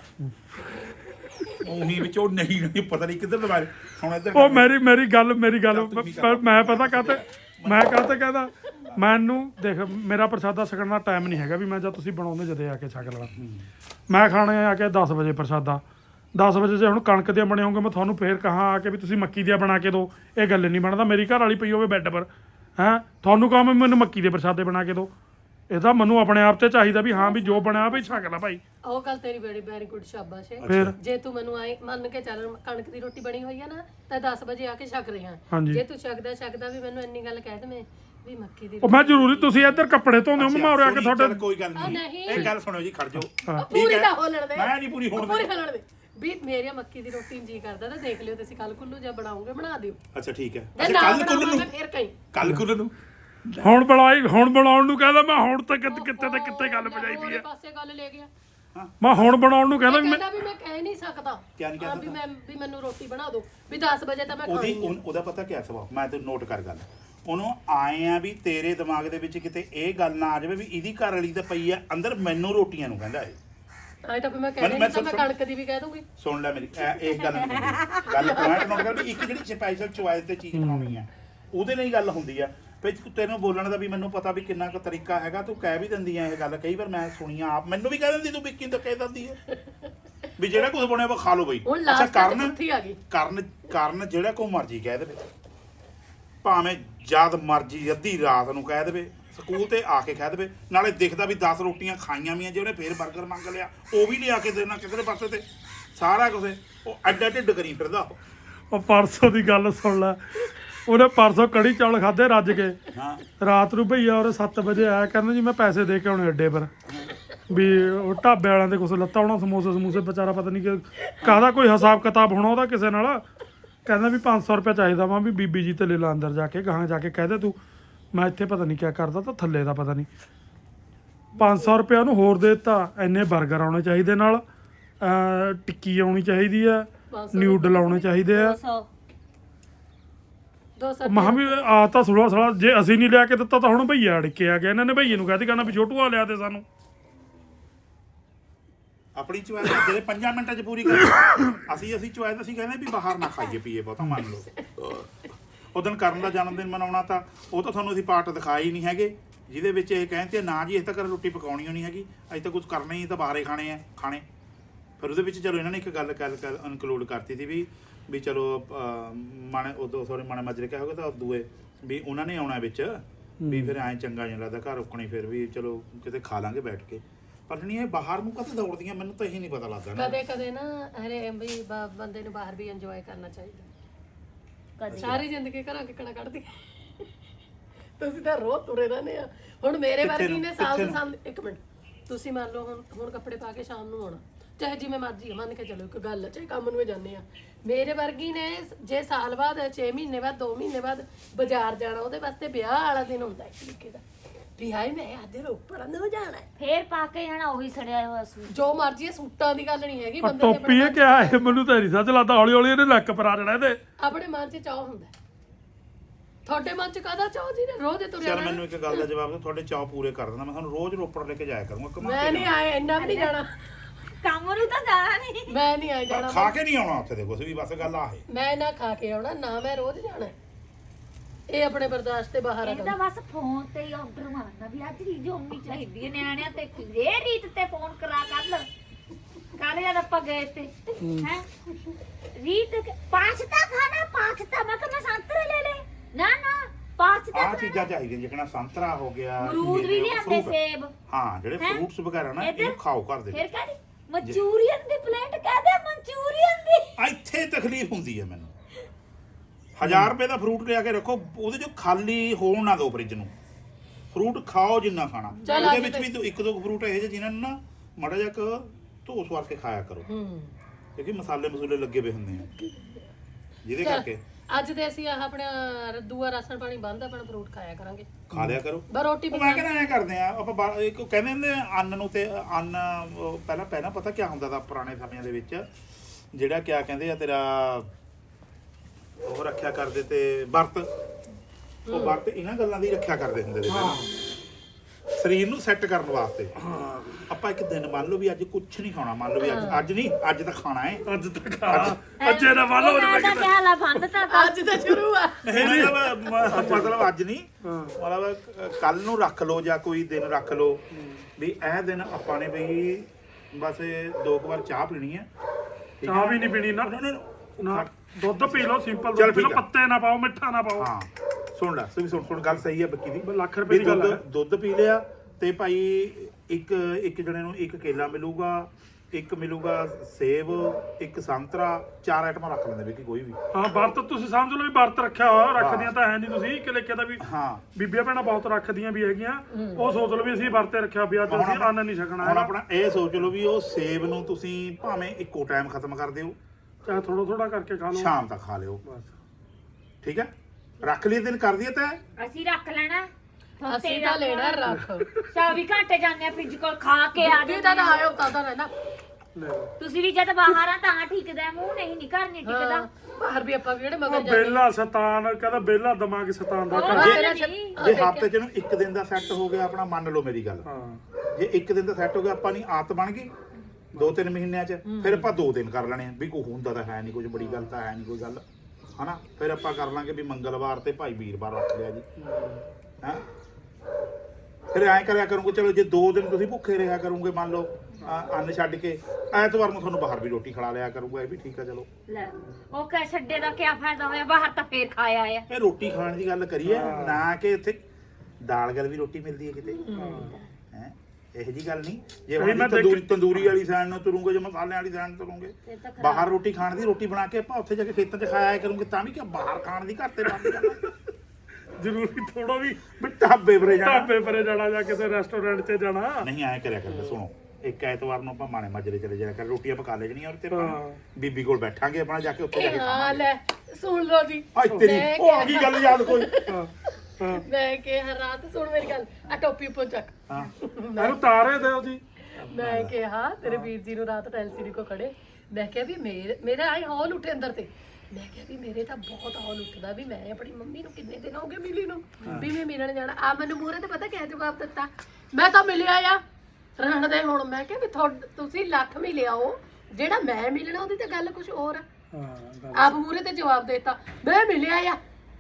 [SPEAKER 4] ਉਹੀ ਵਿੱਚ ਉਹ ਨਹੀਂ ਪਤਾ ਨਹੀਂ ਕਿੱਧਰ ਲਵਾਏ ਹੁਣ ਇੱਧਰ।
[SPEAKER 1] ਉਹ ਮੇਰੀ ਗੱਲ ਮੈਂ ਪਤਾ ਕਾਹਤੇ ਕਹਿੰਦਾ ਮੈਨੂੰ ਦੇਖ, ਮੇਰਾ ਪ੍ਰਸ਼ਾਦਾ ਛਕਣ ਦਾ ਟਾਈਮ ਨਹੀਂ ਹੈਗਾ ਵੀ ਮੈਂ ਜਦ ਤੁਸੀਂ ਬਣਾਉਂਦੇ ਜਦੇ ਆ ਕੇ ਛਕ ਲੈਣਾ। ਮੈਂ ਖਾਣੇ ਆ ਕੇ 10 ਵਜੇ ਪ੍ਰਸ਼ਾਦਾ, 10 ਵਜੇ ਜੇ ਹੁਣ ਕਣਕ ਦੀਆਂ ਬਣੇ ਹੋਣਗੇ ਮੈਂ ਤੁਹਾਨੂੰ ਫੇਰ ਕਹਾਂ ਆ ਕੇ ਵੀ ਤੁਸੀਂ ਮੱਕੀ ਦੀਆਂ ਬਣਾ ਕੇ ਦਿਓ, ਇਹ ਗੱਲ ਨਹੀਂ ਬਣਦਾ। ਮੇਰੀ ਘਰ ਵਾਲੀ ਪਈ ਹੋਵੇ ਬੈੱਡ ਪਰ, ਹੈਂ ਤੁਹਾਨੂੰ ਕਹਾਂ ਮੈਂ ਮੈਨੂੰ ਮੱਕੀ ਦੇ ਪ੍ਰਸ਼ਾਦੇ ਬਣਾ ਕੇ ਦਿਓ, ਇਹਦਾ ਮੈਨੂੰ ਆਪਣੇ ਆਪ ਤੇ ਚਾਹੀਦਾ ਵੀ ਹਾਂ ਵੀ ਜੋ ਬਣਿਆ ਵੀ ਛਕ ਲੈ ਭਾਈ।
[SPEAKER 3] ਉਹ ਗੱਲ ਤੇਰੀ ਬੜੀ ਵੈਰੀ ਗੁੱਡ, ਸ਼ਾਬਾਸ਼ ਹੈ।
[SPEAKER 1] ਫਿਰ
[SPEAKER 3] ਜੇ ਤੂੰ ਮੈਨੂੰ ਆਏ ਮੰਨ ਕੇ ਚੱਲ ਕਣਕ ਦੀ ਰੋਟੀ ਬਣੀ ਹੋਈ ਆ ਨਾ ਤਾਂ 10 ਵਜੇ ਆ ਕੇ ਛਕ ਰਿਹਾ।
[SPEAKER 1] ਹਾਂਜੀ।
[SPEAKER 3] ਜੇ ਤੂੰ ਛਕਦਾ ਵੀ ਮੈਨੂੰ ਇੰਨੀ ਗੱਲ ਕਹਿ ਦੇ ਵੀ ਮੱਕੀ ਦੀ
[SPEAKER 1] ਉਹ ਮੈਂ ਜ਼ਰੂਰੀ ਤੁਸੀਂ ਇੱਧਰ ਕੱਪੜੇ ਧੋਂਦੇ ਹੋ, ਮੈਂ ਮਾਰਿਆ ਕੇ ਤੁਹਾਡੇ।
[SPEAKER 4] ਕੋਈ ਗੱਲ
[SPEAKER 3] ਨਹੀਂ।
[SPEAKER 4] ਨਹੀਂ, ਇਹ ਗੱਲ ਸੁਣੋ ਜੀ, ਖੜ ਜਾਓ।
[SPEAKER 3] ਪੂਰੀ ਤਾਂ ਹੋਲਣ ਦੇ,
[SPEAKER 4] ਮੈਂ ਨਹੀਂ ਪੂਰੀ ਹੋਣ
[SPEAKER 3] ਦੇ ਵੀ ਮੇਰੀ ਮੱਕੀ ਦੀ ਰੋਟੀ ਜੀ ਕਰਦਾ ਤਾਂ ਦੇਖ ਲਿਓ ਤੁਸੀਂ, ਕੱਲ ਕੁੱਲੂ ਜਾਂ ਬਣਾਉਂਗੇ ਬਣਾ ਦਿਓ।
[SPEAKER 4] ਅੱਛਾ ਠੀਕ ਹੈ।
[SPEAKER 3] ਅੱਛਾ ਕੱਲ ਕੁੱਲੂ ਨੂੰ ਫੇਰ ਕਹੀਂ,
[SPEAKER 4] ਕੱਲ ਕੁੱਲੂ ਨੂੰ
[SPEAKER 1] ਹੁਣ ਬਣਾਉਣ ਨੂੰ ਕਹਿੰਦਾ ਮੈਂ, ਹੁਣ ਤੱਕ ਕਿੱਥੇ ਤੇ ਕਿੱਥੇ ਗੱਲ ਪਜਾਈ ਦੀ ਹੈ।
[SPEAKER 3] ਪਾਸੇ ਗੱਲ ਲੈ ਗਿਆ।
[SPEAKER 1] ਮੈਂ ਹੁਣ ਬਣਾਉਣ ਨੂੰ ਕਹਿੰਦਾ
[SPEAKER 3] ਵੀ ਮੈਂ ਕਹਿ ਨਹੀਂ ਸਕਦਾ ਵੀ ਮੈਨੂੰ ਰੋਟੀ ਬਣਾ ਦਿਓ ਵੀ 10 ਵਜੇ ਤਾਂ ਮੈਂ ਖਾਣੀ ਹੈ।
[SPEAKER 4] ਉਹਦਾ ਪਤਾ ਕਿਆ ਸੁਭਾਅ, ਮੈਂ ਤੇ ਨੋਟ ਕਰ ਗੱਲ, ਉਹਨੂੰ ਆਏ ਆ ਵੀ ਤੇਰੇ ਦਿਮਾਗ ਦੇ ਵਿੱਚ ਕਿਤੇ ਇਹ ਗੱਲ ਨਾ ਆ ਜਾਵੇ ਵੀ ਇਹਦੀ ਘਰ ਵਾਲੀ ਤਾਂ ਪਈ ਆ ਅੰਦਰ, ਮੈਨੂੰ ਰੋਟੀਆਂ ਨੂੰ ਕਹਿੰਦਾ ਇਹ।
[SPEAKER 3] ਆਏ ਤਾਂ ਫਿਰ ਮੈਂ ਕਹਿ ਨਹੀਂ ਤਾਂ ਮੈਂ ਕਣਕ ਦੀ ਵੀ ਕਹਿ ਦੂੰਗੀ। ਸੁਣ
[SPEAKER 4] ਲੈ ਮੇਰੀ ਇਹ ਗੱਲ ਨਹੀਂ ਗੱਲ ਪੁਆਇੰਟ ਨੋਟ ਕਰ ਵੀ ਇੱਕ ਜਿਹੜੀ ਸਪੈਸ਼ਲ ਚੁਆਇਸ ਤੇ ਚੀਜ਼ ਬਣਾਉਣੀ ਆ ਉਹਦੇ ਲਈ ਗੱਲ ਹੁੰਦੀ ਆ। ਫਿਰ ਤੈਨੂੰ ਬੋਲਣ ਦਾ ਵੀ ਮੈਨੂੰ ਪਤਾ ਵੀ ਕਿੰਨਾ ਕੁ ਤਰੀਕਾ ਹੈਗਾ, ਤੂੰ ਕਹਿ ਵੀ ਦਿੰਦੀ ਆ ਇਹ ਗੱਲ, ਕਈ ਵਾਰ ਮੈਂ ਸੁਣੀ ਆ ਆਪ, ਮੈਨੂੰ ਵੀ ਕਹਿ ਦਿੰਦੀ ਤੂੰ ਵਿੱਕੀ ਤੋਂ ਕਹਿ ਦਿੰਦੀ ਹੈ ਵੀ ਜਿਹੜਾ ਕੁਝ ਬਣਿਆ ਉਹ ਖਾ ਲਓ ਬਈ। ਅੱਛਾ ਕਰਨ ਜਿਹੜਾ ਕੋ ਮਰਜ਼ੀ ਕਹਿ ਦੇਵੇ, ਭਾਵੇਂ ਜਦ ਮਰਜ਼ੀ ਅੱਧੀ ਰਾਤ ਨੂੰ ਕਹਿ ਦੇਵੇ, ਸਕੂਲ ਤੇ ਆ ਕੇ ਕਹਿ ਦੇਵੇ, ਨਾਲੇ ਦਿਖਦਾ ਵੀ 10 ਰੋਟੀਆਂ ਖਾਈਆਂ ਵੀਆਂ, ਜੇ ਉਹਨੇ ਫੇਰ 버ਗਰ ਮੰਗ ਲਿਆ ਉਹ ਵੀ ਲਿਆ ਕੇ ਦੇਣਾ ਕਿਸੇ ਪਾਸੇ ਤੇ, ਸਾਰਾ ਕੁਝ ਉਹ ਐਡਾ ਢਿੱਡ ਕਰੀ ਫਿਰਦਾ।
[SPEAKER 1] ਉਹ ਪਰਸੋਂ ਦੀ ਗੱਲ ਸੁਣ ਲੈ, ਉਹਨੇ ਪਰਸੋਂ ਕੜੀ ਚੌਲ ਖਾਦੇ ਰੱਜ ਕੇ, ਰਾਤ ਨੂੰ ਭਈਆ ਉਹ 7 ਵਜੇ ਆਇਆ, ਕਹਿੰਦਾ ਜੀ ਮੈਂ ਪੈਸੇ ਦੇ ਕੇ ਆਉਣੇ ਅੱਡੇ ਪਰ, ਵੀ ਉਹ ਢਾਬੇ ਵਾਲਿਆਂ ਦੇ ਕੁਛ ਲੱਤਾ ਹੋਣਾ, ਸਮੋਸੇ ਵਿਚਾਰਾ ਪਤਾ ਨਹੀਂ ਕਾਹਦਾ ਕੋਈ ਹਿਸਾਬ ਕਿਤਾਬ ਹੋਣਾ ਉਹਦਾ ਕਿਸੇ ਨਾਲ। ਕਹਿੰਦਾ ਵੀ 500 ਰੁਪਇਆ ਚਾਹੀਦਾ ਵਾ, ਵੀ ਬੀਬੀ ਜੀ ਤੇ ਲੈ ਲਾ ਅੰਦਰ ਜਾ ਕੇ, ਗਾਹਾਂ ਜਾ ਕੇ ਕਹਿ ਦੇ ਤੂੰ ਮੈਂ ਇੱਥੇ ਪਤਾ ਨਹੀਂ ਕਿਆ ਕਰਦਾ, ਤਾਂ ਥੱਲੇ ਦਾ ਪਤਾ ਨਹੀਂ। 500 ਰੁਪਇਆ ਉਹਨੂੰ ਹੋਰ ਦੇ ਦਿੱਤਾ। ਇੰਨੇ 버ਗਰ ਆਉਣੇ ਚਾਹੀਦੇ ਨਾਲ, ਟਿੱਕੀ ਆਉਣੀ ਚਾਹੀਦੀ ਆ, ਨਿਊਡਲ ਆਉਣੇ ਚਾਹੀਦੇ ਆ। ਮਹਾਂ ਵੀ ਆ ਤਾਂ ਸੁਲਾ ਜੇ ਅਸੀਂ ਨਹੀਂ ਲਿਆ ਕੇ ਦਿੱਤਾ ਤਾਂ ਹੁਣ ਭਈਆ ਅੜਕੇ ਆ ਗਿਆ, ਇਹਨਾਂ ਨੇ ਭਈਏ ਨੂੰ ਕਹਿ ਦਿੱਤੀ ਕਹਿੰਦਾ ਵੀ ਛੋਟੂਆ ਲਿਆ ਤੇ ਸਾਨੂੰ।
[SPEAKER 4] ਆਪਣੀ ਚੁਆਇਸ ਜਿਹੜੇ 5 ਮਿੰਟਾਂ 'ਚ ਪੂਰੀ ਕਰ ਅਸੀਂ ਚੁਆਇਸ ਅਸੀਂ ਕਹਿੰਦੇ ਵੀ ਬਾਹਰ ਨਾ ਖਾਈਏ ਪੀਏ ਬਹੁਤਾ, ਮੰਨ ਲਓ ਉਦੋਂ ਕਰਨ ਦਾ ਜਨਮ ਦਿਨ ਮਨਾਉਣਾ ਤਾਂ ਉਹ ਤਾਂ ਤੁਹਾਨੂੰ ਅਸੀਂ ਪਾਰਟ ਦਿਖਾਏ ਹੀ ਨਹੀਂ ਹੈਗੇ ਜਿਹਦੇ ਵਿੱਚ ਇਹ ਕਹਿੰਦੇ ਨਾ ਜੀ ਅਸੀਂ ਤਾਂ ਘਰ ਰੋਟੀ ਪਕਾਉਣੀ ਨਹੀਂ ਹੈਗੀ, ਅਸੀਂ ਤਾਂ ਕੁਝ ਕਰਨਾ ਹੀ ਤਾਂ ਬਾਹਰੇ ਖਾਣੇ। ਫਿਰ ਉਹਦੇ ਵਿੱਚ ਚਲੋ ਇਹਨਾਂ ਨੇ ਇੱਕ ਗੱਲ ਇਨਕਲੂਡ ਕਰਤੀ ਸੀ ਵੀ ਚਲੋ ਮਾਣੇ ਉਦੋਂ ਸੋਰੀ ਮਾਣੇ ਮਾਜਰੇ ਕਿਹਾ ਹੋਗਾ ਤਾਂ ਦੂਏ ਵੀ ਉਹਨਾਂ ਨੇ ਆਉਣਾ ਵਿੱਚ, ਵੀ ਫਿਰ ਐਂ ਚੰਗਾ ਨਹੀਂ ਲੱਗਦਾ ਘਰ ਰੁਕਣੀ, ਫਿਰ ਵੀ ਚਲੋ ਕਿਤੇ ਖਾ ਲਾਂਗੇ ਬੈਠ ਕੇ। ਪਰ ਨਹੀਂ ਇਹ ਬਾਹਰ ਨੂੰ ਕਦੇ ਦੌੜਦੀਆਂ, ਮੈਨੂੰ ਤਾਂ ਇਹੀ ਨਹੀਂ ਪਤਾ ਲੱਗਦਾ।
[SPEAKER 3] ਕਦੇ ਨਾ ਅਰੇ ਵੀ ਬੰਦੇ ਨੂੰ ਬਾਹਰ ਵੀ ਇੰਜੋਏ ਕਰਨਾ ਚਾਹੀਦਾ, ਸਾਰੀ ਜ਼ਿੰਦਗੀ ਘਰਾਂ ਕਿਕਣਾ ਕੱਢਦੀ। ਤੁਸੀਂ ਤਾਂ ਰੋਜ਼ ਤੁਰੇ ਰਹਿੰਦੇ ਆ। ਹੁਣ ਮੇਰੇ ਵਰਗੀ ਨੇ ਸਾਲ ਇੱਕ ਮਿੰਟ ਤੁਸੀਂ ਮੰਨ ਲਓ ਹੁਣ ਕੱਪੜੇ ਪਾ ਕੇ ਸ਼ਾਮ ਨੂੰ ਆਉਣਾ, ਚਾਹੇ ਜਿਵੇਂ ਮਰਜ਼ੀ ਮੰਨ ਕੇ ਚਲੋ ਇੱਕ ਗੱਲ, ਚਾਹੇ ਕੰਮ ਨੂੰ ਜਾਂਦੇ ਆ। ਮੇਰੇ ਵਰਗੀ ਨੇ ਜੇ ਸਾਲ ਬਾਅਦ 6 ਮਹੀਨੇ ਬਾਅਦ 2 ਮਹੀਨੇ ਬਾਅਦ ਬਾਜ਼ਾਰ ਜਾਣਾ, ਉਹਦੇ ਵਾਸਤੇ ਵਿਆਹ ਵਾਲਾ ਦਿਨ ਹੁੰਦਾ ਇੱਕ ਤਰੀਕੇ ਦਾ, ਵੀ ਹਾਏ ਮੈਂ ਅੱਜ ਰੋਪੜ ਨੂੰ ਜਾਣਾ ਹੈ।
[SPEAKER 2] ਫੇਰ ਪਾ ਕੇ ਜਾਣਾ ਉਹੀ ਸੜਿਆ ਹੋਇਆ ਸੂਟ।
[SPEAKER 3] ਜੋ ਮਰਜ਼ੀ ਹੈ, ਸੂਟਾਂ ਦੀ ਗੱਲ ਨਹੀਂ ਹੈਗੀ,
[SPEAKER 1] ਆ
[SPEAKER 3] ਬੰਦੇ ਦੇ
[SPEAKER 1] ਟੋਪੀ ਇਹ ਕਿਹਾ ਹੈ ਮੈਨੂੰ ਤਾਂ ਨਹੀਂ ਸੱਚ ਲੱਗਦਾ ਹੌਲੀ ਹੌਲੀ ਇਹਨੇ ਲੱਕ ਪਰ ਆ ਜਾਣਾ ਇਹਦੇ।
[SPEAKER 3] ਆਪਣੇ ਮਨ 'ਚ ਚਾਹ ਹੁੰਦਾ। ਤੁਹਾਡੇ ਮਨ 'ਚ ਕਾਹਦਾ ਚਾਹ ਜੀ ਨੇ ਰੋਜ਼ ਤੁਰਿਆ
[SPEAKER 4] ਚਲ
[SPEAKER 3] ਰਹਿਣਾ?
[SPEAKER 4] ਮੈਨੂੰ ਇੱਕ ਗੱਲ ਦਾ ਜਵਾਬ ਦਿਓ, ਤੁਹਾਡੇ ਚਾਅ ਪੂਰੇ ਕਰ ਦਿੰਦਾ ਮੈਂ, ਤੁਹਾਨੂੰ ਰੋਜ਼ ਰੋਪੜ ਲੈ ਕੇ ਜਾਇਆ ਕਰੂੰਗਾ ਘੁਮਾ
[SPEAKER 3] ਮੈਂ
[SPEAKER 4] ਕੇ
[SPEAKER 3] ਨਹੀਂ ਆਏ, ਇੰਨਾ ਵੀ ਨਹੀਂ ਜਾਣਾ।
[SPEAKER 2] ਕੰਮ ਨੂੰ ਤਾਂ ਜਾਣਾ ਨਹੀਂ।
[SPEAKER 3] ਮੈਂ ਨਹੀਂ ਆਏ ਜਾਣਾ।
[SPEAKER 4] ਖਾ ਕੇ ਨਹੀਂ ਆਉਣਾ ਉੱਥੇ ਦੇ ਕੁਛ ਵੀ, ਬਸ ਗੱਲ ਆ ਹੈ।
[SPEAKER 3] ਮੈਂ ਨਾ ਖਾ ਕੇ ਆਉਣਾ ਨਾ ਮੈਂ ਰੋਜ਼ ਜਾਣਾ। ਇਹ ਆਪਣੇ ਬਰਦਾਸ਼ਤ ਤੇ ਬਾਹਰ ਆ
[SPEAKER 2] ਇਹ ਤਾਂ ਬਸ ਫੋਨ ਤੇ ਹੀ ਆਰਡਰ ਮਾਰਨਾ ਵੀ ਅੱਜ ਚੀਜ਼ ਹੋਣੀ ਚਾਹੀਦੀ ਹੈ ਨਿਆਣਿਆਂ ਤੇ। ਇਹ ਰੀਤ ਤੇ ਫੋਨ ਕਰਾ ਕੱਲ ਜਦ ਆਪਾਂ ਗਏ ਤੇ ਹੈ ਰੀਤ ਪਾਸਤਾ ਖਾਣਾ, ਪਾਸਤਾ। ਮੈਂ ਕਿਹਾ ਮੈਂ ਸੰਤਰੇ ਲੈ ਲੈ। ਨਾ ਪਾਸਤਾ
[SPEAKER 4] ਆਹ ਚੀਜ਼ਾਂ ਚਾਹੀਦੀਆਂ ਜਿਕਣਾ ਸੰਤਰਾ ਹੋ ਗਿਆ,
[SPEAKER 2] ਅਮਰੂਦ ਵੀ ਲਿਆਂਦੇ,
[SPEAKER 4] fruit।
[SPEAKER 2] ਸੇਬ।
[SPEAKER 4] ਹਾਂ ਜਿਹੜੇ
[SPEAKER 2] ਹੈਂ?
[SPEAKER 4] ਫਰੂਟਸ ਵਗੈਰਾ ਨਾ
[SPEAKER 2] ਇੱਧਰ?
[SPEAKER 4] ਇਹਨੂੰ ਖਾਓ ਘਰ ਦੇ
[SPEAKER 2] ਫਿਰ
[SPEAKER 4] ਵਿੱਚ।
[SPEAKER 2] ਕਹਿੰਦੀ ਮਨਚੂਰੀਅਨ ਦੀ ਪਲੇਟ ਕਹਦੇ ਮਨਚੂਰੀਅਨ ਦੀ।
[SPEAKER 4] ਇੱਥੇ ਤਕਲੀਫ ਹੁੰਦੀ ਹੈ ਮੈਨੂੰ। 1000 ਰੁਪਏ ਦਾ ਫਰੂਟ ਲਿਆ ਕੇ ਰੱਖੋ, ਉਹਦੇ ਚੋਂ ਖਾਲੀ ਹੋਣ ਨਾ ਦਿਓ ਫ੍ਰਿਜ ਨੂੰ। ਫਰੂਟ ਖਾਓ ਜਿੰਨਾ ਖਾਣਾ।
[SPEAKER 3] ਚੱਲ
[SPEAKER 4] ਉਹਦੇ
[SPEAKER 3] ਅੱਜ
[SPEAKER 4] ਵਿੱਚ ਵੀ ਇੱਕ ਦੋ ਫਰੂਟ ਇਹੋ ਜਿਹੇ ਜਿਨ੍ਹਾਂ ਨੂੰ ਨਾ ਮਾੜਾ ਜਿਹਾ ਧੋ ਸਵਾਰ ਕੇ ਖਾਇਆ ਕਰੋ, ਕਿਉਂਕਿ ਮਸਾਲੇ ਮਸੂਲੇ ਲੱਗੇ ਪਏ ਹੁੰਦੇ ਆ ਜਿਹਦੇ ਕਰਕੇ।
[SPEAKER 3] ਅੱਜ ਤੇ ਅਸੀਂ ਆਹ ਆਪਣਾ ਦੂਆ ਰਾਸ਼ਨ ਪਾਣੀ ਬੰਦ, ਆਪਣਾ ਫਰੂਟ ਖਾਇਆ ਕਰਾਂਗੇ,
[SPEAKER 4] ਖਾ ਲਿਆ ਕਰੋ।
[SPEAKER 3] ਬਸ ਰੋਟੀ
[SPEAKER 4] ਉਹ ਮੈਂ ਕਹਿੰਦਾ ਐਂ ਕਰਦੇ ਆ ਆਪਾਂ ਇੱਕ ਕਹਿੰਦੇ ਹੁੰਦੇ ਆ ਅੰਨ ਨੂੰ ਤੇ ਅੰਨ ਪਹਿਲਾਂ ਪਤਾ ਕੀ ਹੁੰਦਾ ਤਾਂ ਪੁਰਾਣੇ ਸਮਿਆਂ ਦੇ ਵਿੱਚ ਜਿਹੜਾ ਕਿਆ ਕਹਿੰਦੇ ਆ ਤੇਰਾ ਉਹ ਰੱਖਿਆ ਕਰਦੇ ਤੇ ਵਰਤ, ਉਹ ਵਰਤ ਇਹਨਾਂ ਗੱਲਾਂ ਦੀ ਰੱਖਿਆ ਕਰਦੇ ਹੁੰਦੇ ਨੇ ਸਰੀਰ ਨੂੰ ਸੈੱਟ ਕਰਨ ਵਾਸਤੇ। ਆਪਾਂ ਇੱਕ ਦਿਨ ਮੰਨ ਲਓ ਵੀ ਅੱਜ ਕੁਝ ਨਹੀਂ ਖਾਣਾ, ਮੰਨ ਲਓ ਵੀ ਅੱਜ ਨਹੀਂ, ਅੱਜ ਤਾਂ ਖਾਣਾ ਹੈ,
[SPEAKER 1] ਅੱਜ ਤੱਕ ਅੱਜ ਇਹਦਾ ਮੰਨ ਲਓ
[SPEAKER 2] ਮੈਂ ਤਾਂ ਕਿਹਾ ਲਾ ਬੰਦ ਤਾਂ ਕਰ।
[SPEAKER 3] ਅੱਜ ਤਾਂ ਸ਼ੁਰੂ ਆ।
[SPEAKER 4] ਮਤਲਬ ਅੱਜ ਨਹੀਂ, ਮਤਲਬ ਕੱਲ ਨੂੰ ਰੱਖ ਲਓ ਜਾਂ ਕੋਈ ਦਿਨ ਰੱਖ ਲਓ ਵੀ ਇਹ ਦਿਨ ਆਪਾਂ ਨੇ ਵੀ ਬਸ 2 ਵਾਰ ਚਾਹ ਪੀਣੀ ਹੈ।
[SPEAKER 1] ਚਾਹ ਵੀ ਨਹੀਂ ਪੀਣੀ ਨਾ, ਨਾ ਦੁੱਧ ਪੀ ਲਓ, ਸਿੰਪਲ
[SPEAKER 4] ਚੱਲ
[SPEAKER 1] ਦੁੱਧ ਪੀ ਲਓ,
[SPEAKER 4] ਠੀਕ ਆ।
[SPEAKER 1] ਪੱਤੇ ਨਾ ਪਾਓ, ਮਿੱਠਾ ਨਾ ਪਾਓ।
[SPEAKER 4] ਹਾਂ ਸੁਣ ਲੈ, ਸੁਣ ਗੱਲ ਸਹੀ ਹੈ ਬੱਕੀ ਦੀ।
[SPEAKER 1] ਲੱਖ ਰੁਪਏ ਦੀ ਗੱਲ ਹੈ।
[SPEAKER 4] ਦੁੱਧ ਪੀ ਲਿਆ ਤੇ ਭਾਈ ਇੱਕ ਜਣੇ ਨੂੰ ਇੱਕ ਕੇਲਾ ਮਿਲੂਗਾ, ਇੱਕ ਮਿਲੂਗਾ ਸੇਬ, ਇੱਕ ਸੰਤਰਾ, 4 ਆਈਟਮਾਂ ਰੱਖ ਲੈਂਦੇ ਵੀ ਕੋਈ ਵੀ।
[SPEAKER 1] ਹਾਂ ਵਰਤ ਤੁਸੀਂ ਸਮਝ ਲਓ ਵੀ ਵਰਤ ਰੱਖਿਆ ਹੋਇਆ, ਰੱਖਦੀਆਂ ਤਾਂ ਹੈ ਨਹੀਂ ਤੁਸੀਂ ਕਿਲੇਕੇ ਦਾ ਵੀ।
[SPEAKER 4] ਹਾਂ
[SPEAKER 1] ਬੀਬੀਆਂ ਭੈਣਾਂ ਬਹੁਤ ਰੱਖਦੀਆਂ ਵੀ ਹੈਗੀਆਂ, ਉਹ ਸੋਚ ਲਓ ਵੀ ਅਸੀਂ ਵਰਤੇ ਰੱਖਿਆ ਵੀ ਅੱਜ ਅਸੀਂ ਅੰਨ ਨਹੀਂ ਛਕਣਾ
[SPEAKER 4] ਹੁਣ
[SPEAKER 1] ਹੈਗਾ।
[SPEAKER 4] ਆਪਣਾ ਇਹ ਸੋਚ ਲਓ ਵੀ ਉਹ ਸੇਬ ਨੂੰ ਤੁਸੀਂ ਭਾਵੇਂ ਇੱਕੋ ਟਾਈਮ ਖਤਮ ਕਰ ਦਿਓ,
[SPEAKER 1] ਚਾਹੇ ਥੋੜਾ ਥੋੜਾ ਕਰਕੇ ਖਾ ਲਓ,
[SPEAKER 4] ਸ਼ਾਮ ਤੱਕ ਖਾ ਲਿਓ,
[SPEAKER 1] ਬਸ।
[SPEAKER 4] ਠੀਕ ਹੈ। ਰੱਖ ਲਈ ਦਿਨ ਕਰ ਦਈਏ ਤਾਂ
[SPEAKER 2] ਅਸੀਂ ਰੱਖ ਲੈਣਾ।
[SPEAKER 3] ਅਸੀਂ ਤਾਂ ਲੈਣਾ ਰੱਖ।
[SPEAKER 2] 24 ਘੰਟੇ ਜਾਂਦੇ ਆ ਫ੍ਰਿਜ ਕੋਲ, ਖਾ ਕੇ ਆ
[SPEAKER 3] ਕੀ ਤਾਂ ਆਇਓ ਤਾਂ ਰਹਿਣਾ।
[SPEAKER 1] ਲੈ ਲਓ।
[SPEAKER 2] ਤੁਸੀਂ ਵੀ ਜਦ ਬਾਹਰ ਆ ਤਾਂ ਠਿਕਦਾ, ਮੂੰਹ ਨਹੀਂ ਘਰ ਨਹੀਂ ਟਿਕਦਾ।
[SPEAKER 3] ਬਾਹਰ ਵੀ ਆਪਾਂ ਕਿਹੜੇ
[SPEAKER 1] ਉਹ
[SPEAKER 3] ਮਗਰ ਜਾਂਦੇ।
[SPEAKER 1] ਬੇਲਾ ਸ਼ੈਤਾਨ ਕਹਿੰਦਾ, ਬੇਲਾ ਦਿਮਾਗ ਸ਼ੈਤਾਨ ਦਾ ਘਰ।
[SPEAKER 4] ਜੇ ਹਫ਼ਤੇ ਚ ਨੂੰ ਇੱਕ ਦਿਨ ਦਾ ਸੈੱਟ ਹੋ ਗਿਆ ਆਪਣਾ, ਮੰਨ ਲਓ ਮੇਰੀ ਗੱਲ,
[SPEAKER 1] ਹਾਂ
[SPEAKER 4] ਜੇ ਇੱਕ ਦਿਨ ਦਾ ਸੈੱਟ ਹੋ ਗਿਆ ਆਪਾਂ ਨਹੀਂ ਆਦਤ ਬਣ ਗਈ 2-3 ਮਹੀਨਿਆਂ ਚ, ਫਿਰ ਆਪਾਂ 2 ਦਿਨ ਕਰ ਲੈਣੇ ਆ ਵੀ ਕੋਈ ਹੁੰਦਾ ਤਾਂ ਹੈ ਨਹੀਂ, ਕੁਝ ਬੜੀ ਗੱਲ ਤਾਂ ਹੈ ਨਹੀਂ ਕੋਈ ਗੱਲ, ਹਨਾ। ਫਿਰ ਆਪਾਂ ਕਰ ਲਾਂਗੇ ਵੀ ਮੰਗਲਵਾਰ ਤੇ ਭਾਈ ਵੀਰਵਾਰ ਰੱਖ ਲਿਆ ਜੀ, ਹੈਂ। ਫਿਰ ਐਂ ਕਰਿਆ ਕਰੂੰਗੇ, ਚਲੋ ਜੇ 2 ਦਿਨ ਤੁਸੀਂ ਭੁੱਖੇ ਰਿਹਾ ਕਰੋਗੇ, ਮੰਨ ਲਓ ਅੰਨ ਛੱਡ ਕੇ, ਐਤਵਾਰ ਨੂੰ ਤੁਹਾਨੂੰ ਬਾਹਰ ਵੀ ਰੋਟੀ ਖਿਲਾ ਲਿਆ ਕਰੂੰਗਾ, ਇਹ ਵੀ ਠੀਕ ਆ। ਚਲੋ
[SPEAKER 2] ਲੈ ਉਹ ਕਹਿ ਛੱਡੇ ਦਾ ਕੀ ਫਾਇਦਾ ਹੋਇਆ, ਬਾਹਰ ਤਾਂ ਫੇਰ ਖਾਇਆ ਆ।
[SPEAKER 4] ਇਹ ਰੋਟੀ ਖਾਣ ਦੀ ਗੱਲ ਕਰੀਏ ਨਾ ਕਿ ਇੱਥੇ ਦਾਲ ਗਲ ਵੀ ਰੋਟੀ ਮਿਲਦੀ ਹੈ ਕਿਤੇ, ਹੈ ਇਹੋ ਜੀ ਗੱਲ ਨਹੀਂ। ਜੇ ਹੁਣ ਤੰਦੂਰੀ ਵਾਲੀ ਸਾਈਡ ਨੂੰ ਤੁਰੂੰਗੇ, ਜੇ ਮਸਾਲਿਆਂ ਵਾਲੀ ਸਾਈਡ ਨੂੰ ਤੁਰੂੰਗੇ, ਬਾਹਰ ਰੋਟੀ ਖਾਣ ਦੀ, ਰੋਟੀ ਬਣਾ ਕੇ ਆਪਾਂ ਉੱਥੇ ਜਾ ਕੇ ਖੇਤਾਂ 'ਚ ਖਾਇਆ ਕਰੂੰਗੇ, ਤਾਂ ਵੀ ਕਿ ਬਾਹਰ ਖਾਣ ਦੀ ਘਰ ਤੇ ਬਣ ਜਾਣਾ।
[SPEAKER 1] ਜ਼ਰੂਰੀ ਥੋੜਾ ਵੀ
[SPEAKER 4] ਢਾਬੇ ਪਰੇ ਜਾਣਾ,
[SPEAKER 1] ਢਾਬੇ ਪਰੇ ਜਾਣਾ ਜਾਂ ਕਿਸੇ ਰੈਸਟੋਰੈਂਟ 'ਚ ਜਾਣਾ।
[SPEAKER 4] ਨਹੀਂ ਐਂ ਕਰਿਆ ਕਰਦੇ। ਸੁਣੋ, ਇੱਕ ਐਤਵਾਰ ਨੂੰ ਆਪਾਂ ਮਾਣੇ ਮਾਜਰੇ ਚਲੇ ਜਾਇਆ ਕਰ, ਰੋਟੀਆਂ ਪਕਾ ਲੈ ਜਣੀਆਂ, ਉੱਥੇ ਆਪਾਂ ਬੀਬੀ ਕੋਲ ਬੈਠਾਂਗੇ ਆਪਣਾ ਜਾ ਕੇ, ਉੱਥੇ ਜਾ ਕੇ
[SPEAKER 3] ਹਾਂ ਲੈ ਸੁਣ ਲਓ ਜੀ।
[SPEAKER 4] ਅੱਜ ਤੇਰੀ ਉਹ ਆ ਗਈ ਗੱਲ ਯਾਦ ਕੋਈ।
[SPEAKER 3] ਮੈਂ ਕਿਹਾ ਰਾਤ ਸੁਣ ਮੇਰੀ ਗੱਲ, ਆ ਟੋਪੀ ਉੱਪਰ ਚੱਕ।
[SPEAKER 4] ਹਾਂ
[SPEAKER 1] ਇਹਨੂੰ ਤਾਰੇ ਦਿਓ ਜੀ।
[SPEAKER 3] ਮੈਂ ਕਿਹਾ ਤੇਰੇ ਵੀਰ ਜੀ ਨੂੰ ਰਾਤ ਟੈਲਸੀਡੀ ਕੋ ਖੜੇ, ਮੈਂ ਕਿਹਾ ਵੀ ਮੇਰਾ ਆਈ ਹੌਲ ਉੱਠੇ ਅੰਦਰ ਤੇ, ਮੈਂ ਕਿਹਾ ਵੀ ਮੇਰੇ ਤਾਂ ਬਹੁਤ ਹੌਲ ਉੱਠਦਾ ਵੀ ਮੈਂ ਆਪਣੀ ਮੰਮੀ ਨੂੰ ਕਿੰਨੇ ਦਿਨ ਹੋ ਗਏ ਮਿਲੀ ਨੂੰ, ਵੀ ਮੈਂ ਮਿਲਣ ਜਾਣਾ। ਆ ਮੈਨੂੰ ਮੂਹਰੇ ਤੇ ਪਤਾ ਕਿਆ ਜਵਾਬ ਦਿੱਤਾ, ਮੈਂ ਤਾਂ ਮਿਲਿਆ ਆ ਰਹਿਣ ਦੇ ਹੁਣ। ਮੈਂ ਕਿਹਾ ਵੀ ਤੁਸੀਂ ਲੱਖ ਮਿਲਿਆ ਹੋ, ਜਿਹੜਾ ਮੈਂ ਮਿਲਣਾ ਉਹਦੀ ਤਾਂ ਗੱਲ ਕੁਝ ਹੋਰ ਆ। ਆਪ ਮੂਹਰੇ ਤੇ ਜਵਾਬ ਦੇਤਾ, ਮੈਂ ਮਿਲਿਆ ਆ।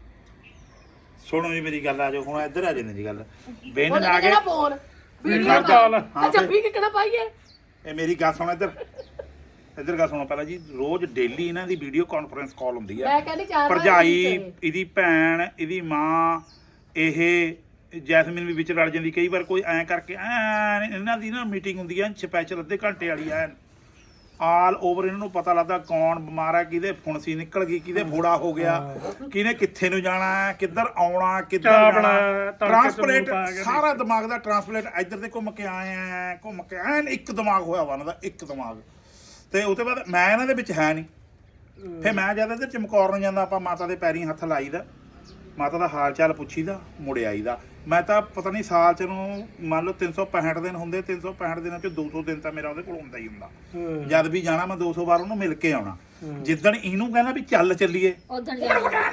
[SPEAKER 4] ਸੁਣੋ ਜੀ ਮੇਰੀ ਗੱਲ, ਆ ਜਾਓ ਹੁਣ ਇੱਧਰ ਆ ਜਾਂਦੇ ਜੀ ਗੱਲ। ਬੇਨ
[SPEAKER 3] ਉਹਦਾ
[SPEAKER 4] ਆ
[SPEAKER 3] ਕਿਹੜਾ
[SPEAKER 4] ਗਏ,
[SPEAKER 3] ਫੋਨ
[SPEAKER 1] ਵੀਡੀਓ ਕਾਲ।
[SPEAKER 3] ਅੱਛਾ ਵੀ ਕਿਹੜਾ ਪਾਈਏ।
[SPEAKER 4] ਇਹ ਮੇਰੀ ਗੱਲ ਸੁਣੋ, ਇੱਧਰ ਗੱਲ ਸੁਣੋ ਪਹਿਲਾਂ ਜੀ। ਰੋਜ਼ ਡੇਲੀ ਇਹਨਾਂ ਦੀ ਵੀਡੀਓ ਕਾਨਫਰੰਸ ਕਾਲ ਹੁੰਦੀ ਆ।
[SPEAKER 3] ਮੈਂ ਕਹਿੰਦੀ 4 ਵਾਰ
[SPEAKER 4] ਭਰਜਾਈ, ਇਹਦੀ ਭੈਣ, ਇਹਦੀ ਮਾਂ, ਇਹ ਜੈਸਮੀਨ ਵੀ ਵਿੱਚ ਰਲ ਜਾਂਦੀ ਕਈ ਵਾਰ। ਕੋਈ ਐਂ ਕਰਕੇ ਇਹਨਾਂ ਦੀ ਨਾ ਮੀਟਿੰਗ ਹੁੰਦੀ ਆ ਸਪੈਸ਼ਲ, ਅੱਧੇ ਘੰਟੇ ਵਾਲੀ ਐ। ਆਲ ਓਵਰ ਇਹਨਾਂ ਨੂੰ ਪਤਾ ਲੱਗਦਾ ਕੌਣ ਬਿਮਾਰ ਆ, ਕਿਹਦੇ ਫੁਣਸੀ ਨਿਕਲ ਗਈ, ਕਿਹਦੇ ਫੋੜਾ ਹੋ ਗਿਆ, ਕਿਹਨੇ ਕਿੱਥੇ ਨੂੰ ਜਾਣਾ, ਕਿੱਧਰ ਆਉਣਾ, ਕਿੱਧਰ ਜਾਣਾ। ਟ੍ਰਾਂਸਪਲੇਟ ਸਾਰਾ ਦਿਮਾਗ ਦਾ ਟ੍ਰਾਂਸਪਲੇਟ ਇੱਧਰ ਦੇ ਘੁੰਮ ਕੇ ਆਏ ਆ, ਘੁੰਮ ਕੇ ਐਨ ਇੱਕ ਦਿਮਾਗ ਹੋਇਆ ਵਾ ਇਹਨਾਂ ਦਾ, ਇੱਕ ਦਿਮਾਗ। ਤੇ ਉਹ ਤੋਂ ਬਾਅਦ ਮੈਂ ਇਹਨਾਂ ਦੇ ਵਿੱਚ ਹੈ ਨਹੀਂ, ਫਿਰ ਮੈਂ ਜਦ ਇੱਧਰ ਚਮਕੌਰ ਨੂੰ ਜਾਂਦਾ, ਆਪਾਂ ਮਾਤਾ ਦੇ ਪੈਰੀਂ ਹੱਥ ਲਾਈਦਾ ਮਾਤਾ ਦਾ ਹਾਲ ਚਾਲ ਪੁੱਛੀਦਾ ਮੁੜ ਆਈਦਾ। ਮੈਂ ਤਾਂ ਪਤਾ ਨਹੀਂ ਸਾਲ ਚ ਨੂੰ ਮੰਨ ਲਓ 365 ਦਿਨ ਹੁੰਦੇ, 365 ਦਿਨਾਂ ਚ 200 ਦਿਨ ਤਾਂ ਮੇਰਾ ਉਹਦੇ ਕੋਲ ਹੁੰਦਾ ਹੀ ਹੁੰਦਾ। ਜਦ ਵੀ ਜਾਣਾ ਮੈਂ 200 ਵਾਰ ਉਹਨੂੰ ਮਿਲ ਕੇ ਆਉਣਾ। ਜਿੱਦਣ ਇਹਨੂੰ ਕਹਿੰਦਾ ਵੀ ਚੱਲ ਚੱਲੀਏ,
[SPEAKER 2] ਉਦੋਂ ਜਾਣਾ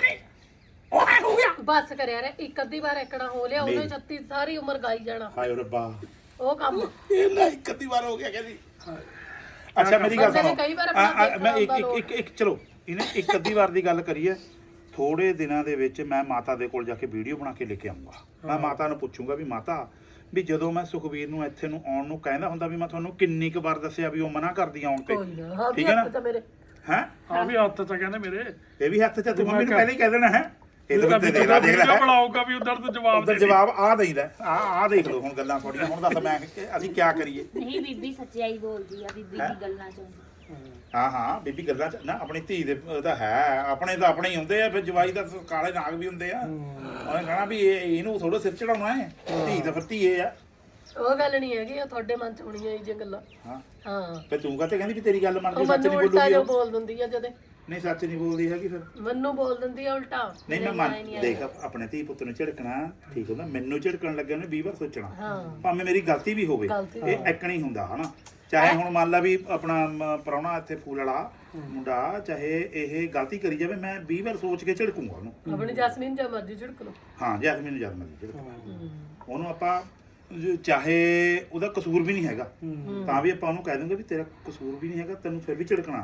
[SPEAKER 3] ਬਸ ਕਰਿਆ ਰੇ ਇੱਕ ਅੱਧੀ ਵਾਰ ਐਕੜਾ ਹੋ ਲਿਆ ਉਹਨੇ 36 ਸਾਰੀ ਉਮਰ ਗਾਈ ਜਾਣਾ।
[SPEAKER 4] ਹਾਏ ਰੱਬਾ
[SPEAKER 3] ਉਹ ਕੰਮ
[SPEAKER 4] ਇਹ ਨਾ ਇੱਕ ਅੱਧੀ ਵਾਰ ਹੋ ਗਿਆ ਕਹਿੰਦੀ। ਅੱਛਾ ਮੇਰੀ ਗੱਲ
[SPEAKER 3] ਬੰਦੇ ਨੇ
[SPEAKER 4] ਸੁਣੋ,
[SPEAKER 3] ਕਈ ਵਾਰ ਆਪਣਾ
[SPEAKER 4] ਮੈਂ ਇੱਕ ਚਲੋ ਇਹਨੇ ਇੱਕ ਅੱਧੀ ਵਾਰ ਦੀ ਗੱਲ ਕਰੀਏ। ਥੋੜੇ ਦਿਨਾਂ ਦੇ ਵਿੱਚ ਮੈਂ ਮਾਤਾ ਦੇ ਕੋਲ ਜਾ ਕੇ ਵੀਡੀਓ ਬਣਾ ਕੇ ਲੈ ਕੇ ਆਉਂਗਾ। ਮੈਂ ਮਾਤਾ ਨੂੰ ਪੁੱਛੂੰਗਾ ਵੀ ਮਾਤਾ ਵੀ ਜਦੋਂ ਮੈਂ ਸੁਖਵੀਰ ਨੂੰ ਇੱਥੇ ਨੂੰ ਆਉਣ ਨੂੰ ਕਹਿੰਦਾ ਹੁੰਦਾ ਵੀ ਮੈਂ ਤੁਹਾਨੂੰ ਕਿੰਨੀ ਕੁ ਵਾਰ ਦੱਸਿਆ ਵੀ ਉਹ ਮਨਾ ਕਰਦੀ ਆਉਣ ਤੇ, ਠੀਕ ਹੈ ਨਾ?
[SPEAKER 3] ਤਾਂ ਮੇਰੇ
[SPEAKER 4] ਹੈ
[SPEAKER 1] ਆ ਵੀ ਹੱਥ ਚ ਕਹਿੰਦੇ ਮੇਰੇ
[SPEAKER 4] ਇਹ ਵੀ ਹੱਥ 'ਚ ਤੂੰ ਮੰਮੀ ਨੂੰ ਪਹਿਲਾਂ ਹੀ ਕਹਿ ਦੇਣਾ ਹੈ। ਇਹ ਤਾਂ
[SPEAKER 1] ਵੀ
[SPEAKER 4] ਦੇਖ ਲੈ
[SPEAKER 1] ਬਣਾਊਗਾ ਵੀ ਉਧਰ ਤੋਂ ਜਵਾਬ
[SPEAKER 4] ਉਧਰ ਜਵਾਬ ਆ ਦੇਈਦਾ। ਆ ਦੇਖ ਲਓ ਹੁਣ ਗੱਲਾਂ ਥੋੜੀਆਂ। ਹੁਣ ਦੱਸ ਮੈਂ ਅਸੀਂ ਕੀ ਕਰੀਏ?
[SPEAKER 2] ਨਹੀਂ ਬੀਬੀ ਸੱਚਾਈ ਬੋਲਦੀ ਆ, ਬੀਬੀ ਦੀ ਗੱਲਾਂ ਚੋਂ।
[SPEAKER 4] ਹਾਂ ਬੀਬੀ ਗੱਲਾਂ 'ਚ ਨਾ ਆਪਣੀ ਧੀ ਦੇ ਤਾਂ ਹੈ, ਆਪਣੇ ਤਾਂ ਆਪਣੇ ਹੀ ਹੁੰਦੇ ਆ। ਫਿਰ ਜਵਾਈ ਦਾ ਕਾਲੇ ਨਾਗ ਵੀ ਹੁੰਦੇ ਆ। ਉਹਨੇ ਕਹਣਾ ਵੀ ਇਹਨੂੰ ਥੋੜਾ ਸਿਰ ਚੜਾਉਣਾ ਹੈ, ਧੀ ਤਾਂ ਫਿਰ ਧੀਏ ਆ।
[SPEAKER 3] ਉਹ ਗੱਲ ਨਹੀਂ ਹੈਗੀ, ਉਹ ਤੁਹਾਡੇ ਮਨ ਚ ਹੋਣੀਆਂ ਇਹ ਜੇ ਗੱਲਾਂ।
[SPEAKER 4] ਹਾਂ
[SPEAKER 3] ਹਾਂ
[SPEAKER 4] ਫਿਰ ਤੂੰ ਕਹਤੇ ਕਹਿੰਦੀ ਵੀ ਤੇਰੀ ਗੱਲ
[SPEAKER 3] ਉਹ
[SPEAKER 4] ਮੰਨਦੀ, ਸੱਚ
[SPEAKER 3] ਮੈਨੂੰ
[SPEAKER 4] ਨਹੀਂ
[SPEAKER 3] ਉਲਟਾ ਜੋ
[SPEAKER 4] ਬੋਲੂਗੀ।
[SPEAKER 3] ਬੋਲ ਦਿੰਦੀ ਆ ਜਦੇ,
[SPEAKER 4] ਨਹੀਂ ਸੱਚ ਨਹੀਂ ਬੋਲਦੀ ਹੈਗੀ ਫਿਰ।
[SPEAKER 3] ਮੈਨੂੰ ਬੋਲ ਦਿੰਦੀ ਆ ਉਲਟਾ।
[SPEAKER 4] ਨਹੀਂ ਮੈਂ ਮੰਨ ਦੇਖ ਆਪਣੇ ਧੀ ਪੁੱਤ ਨੂੰ ਝਿੜਕਣਾ ਠੀਕ ਹੁੰਦਾ। ਮੈਨੂੰ ਝਿੜਕਣ ਲੱਗਿਆ ਉਹਨੇ 20 ਵਾਰ ਸੋਚਣਾ, ਭਾਵੇਂ ਮੇਰੀ ਗਲਤੀ ਵੀ ਹੋਵੇ। ਇਹ ਐਕਣ ਹੀ ਹੁੰਦਾ ਹਨਾ। ਚਾਹੇ ਹੁਣ ਮੰਨ ਲਾ ਵੀ ਆਪਣਾ ਪ੍ਰਾਹੁਣਾ ਇੱਥੇ ਫੂਲ ਵਾਲਾ ਮੁੰਡਾ, ਚਾਹੇ ਇਹ ਗਲਤੀ ਕਰੀ ਜਾਵੇ, ਮੈਂ 20 ਵਾਰ ਸੋਚ ਕੇ ਝਿੜਕੂੰਗਾ ਉਹਨੂੰ।
[SPEAKER 3] ਆਪਣੀ ਜੈਸਮੀਨ ਜਾਂ ਮਰਜ਼ੀ ਝਿੜਕ ਲੋ।
[SPEAKER 4] ਹਾਂ ਜੈਸਮੀਨ ਨੂੰ ਜਦ ਮਰਜ਼ੀ ਝਿੜਕ ਉਹਨੂੰ ਆਪਾਂ ਚਾਹੇ ਉਹਦਾ ਕਸੂਰ ਵੀ ਨਹੀਂ ਹੈਗਾ ਤਾਂ ਵੀ ਆਪਾਂ ਉਹਨੂੰ ਕਹਿ ਦੂੰਗੇ ਵੀ ਤੇਰਾ ਕਸੂਰ ਵੀ ਨਹੀਂ ਹੈਗਾ, ਤੈਨੂੰ ਫਿਰ ਵੀ ਝਿੜਕਣਾ।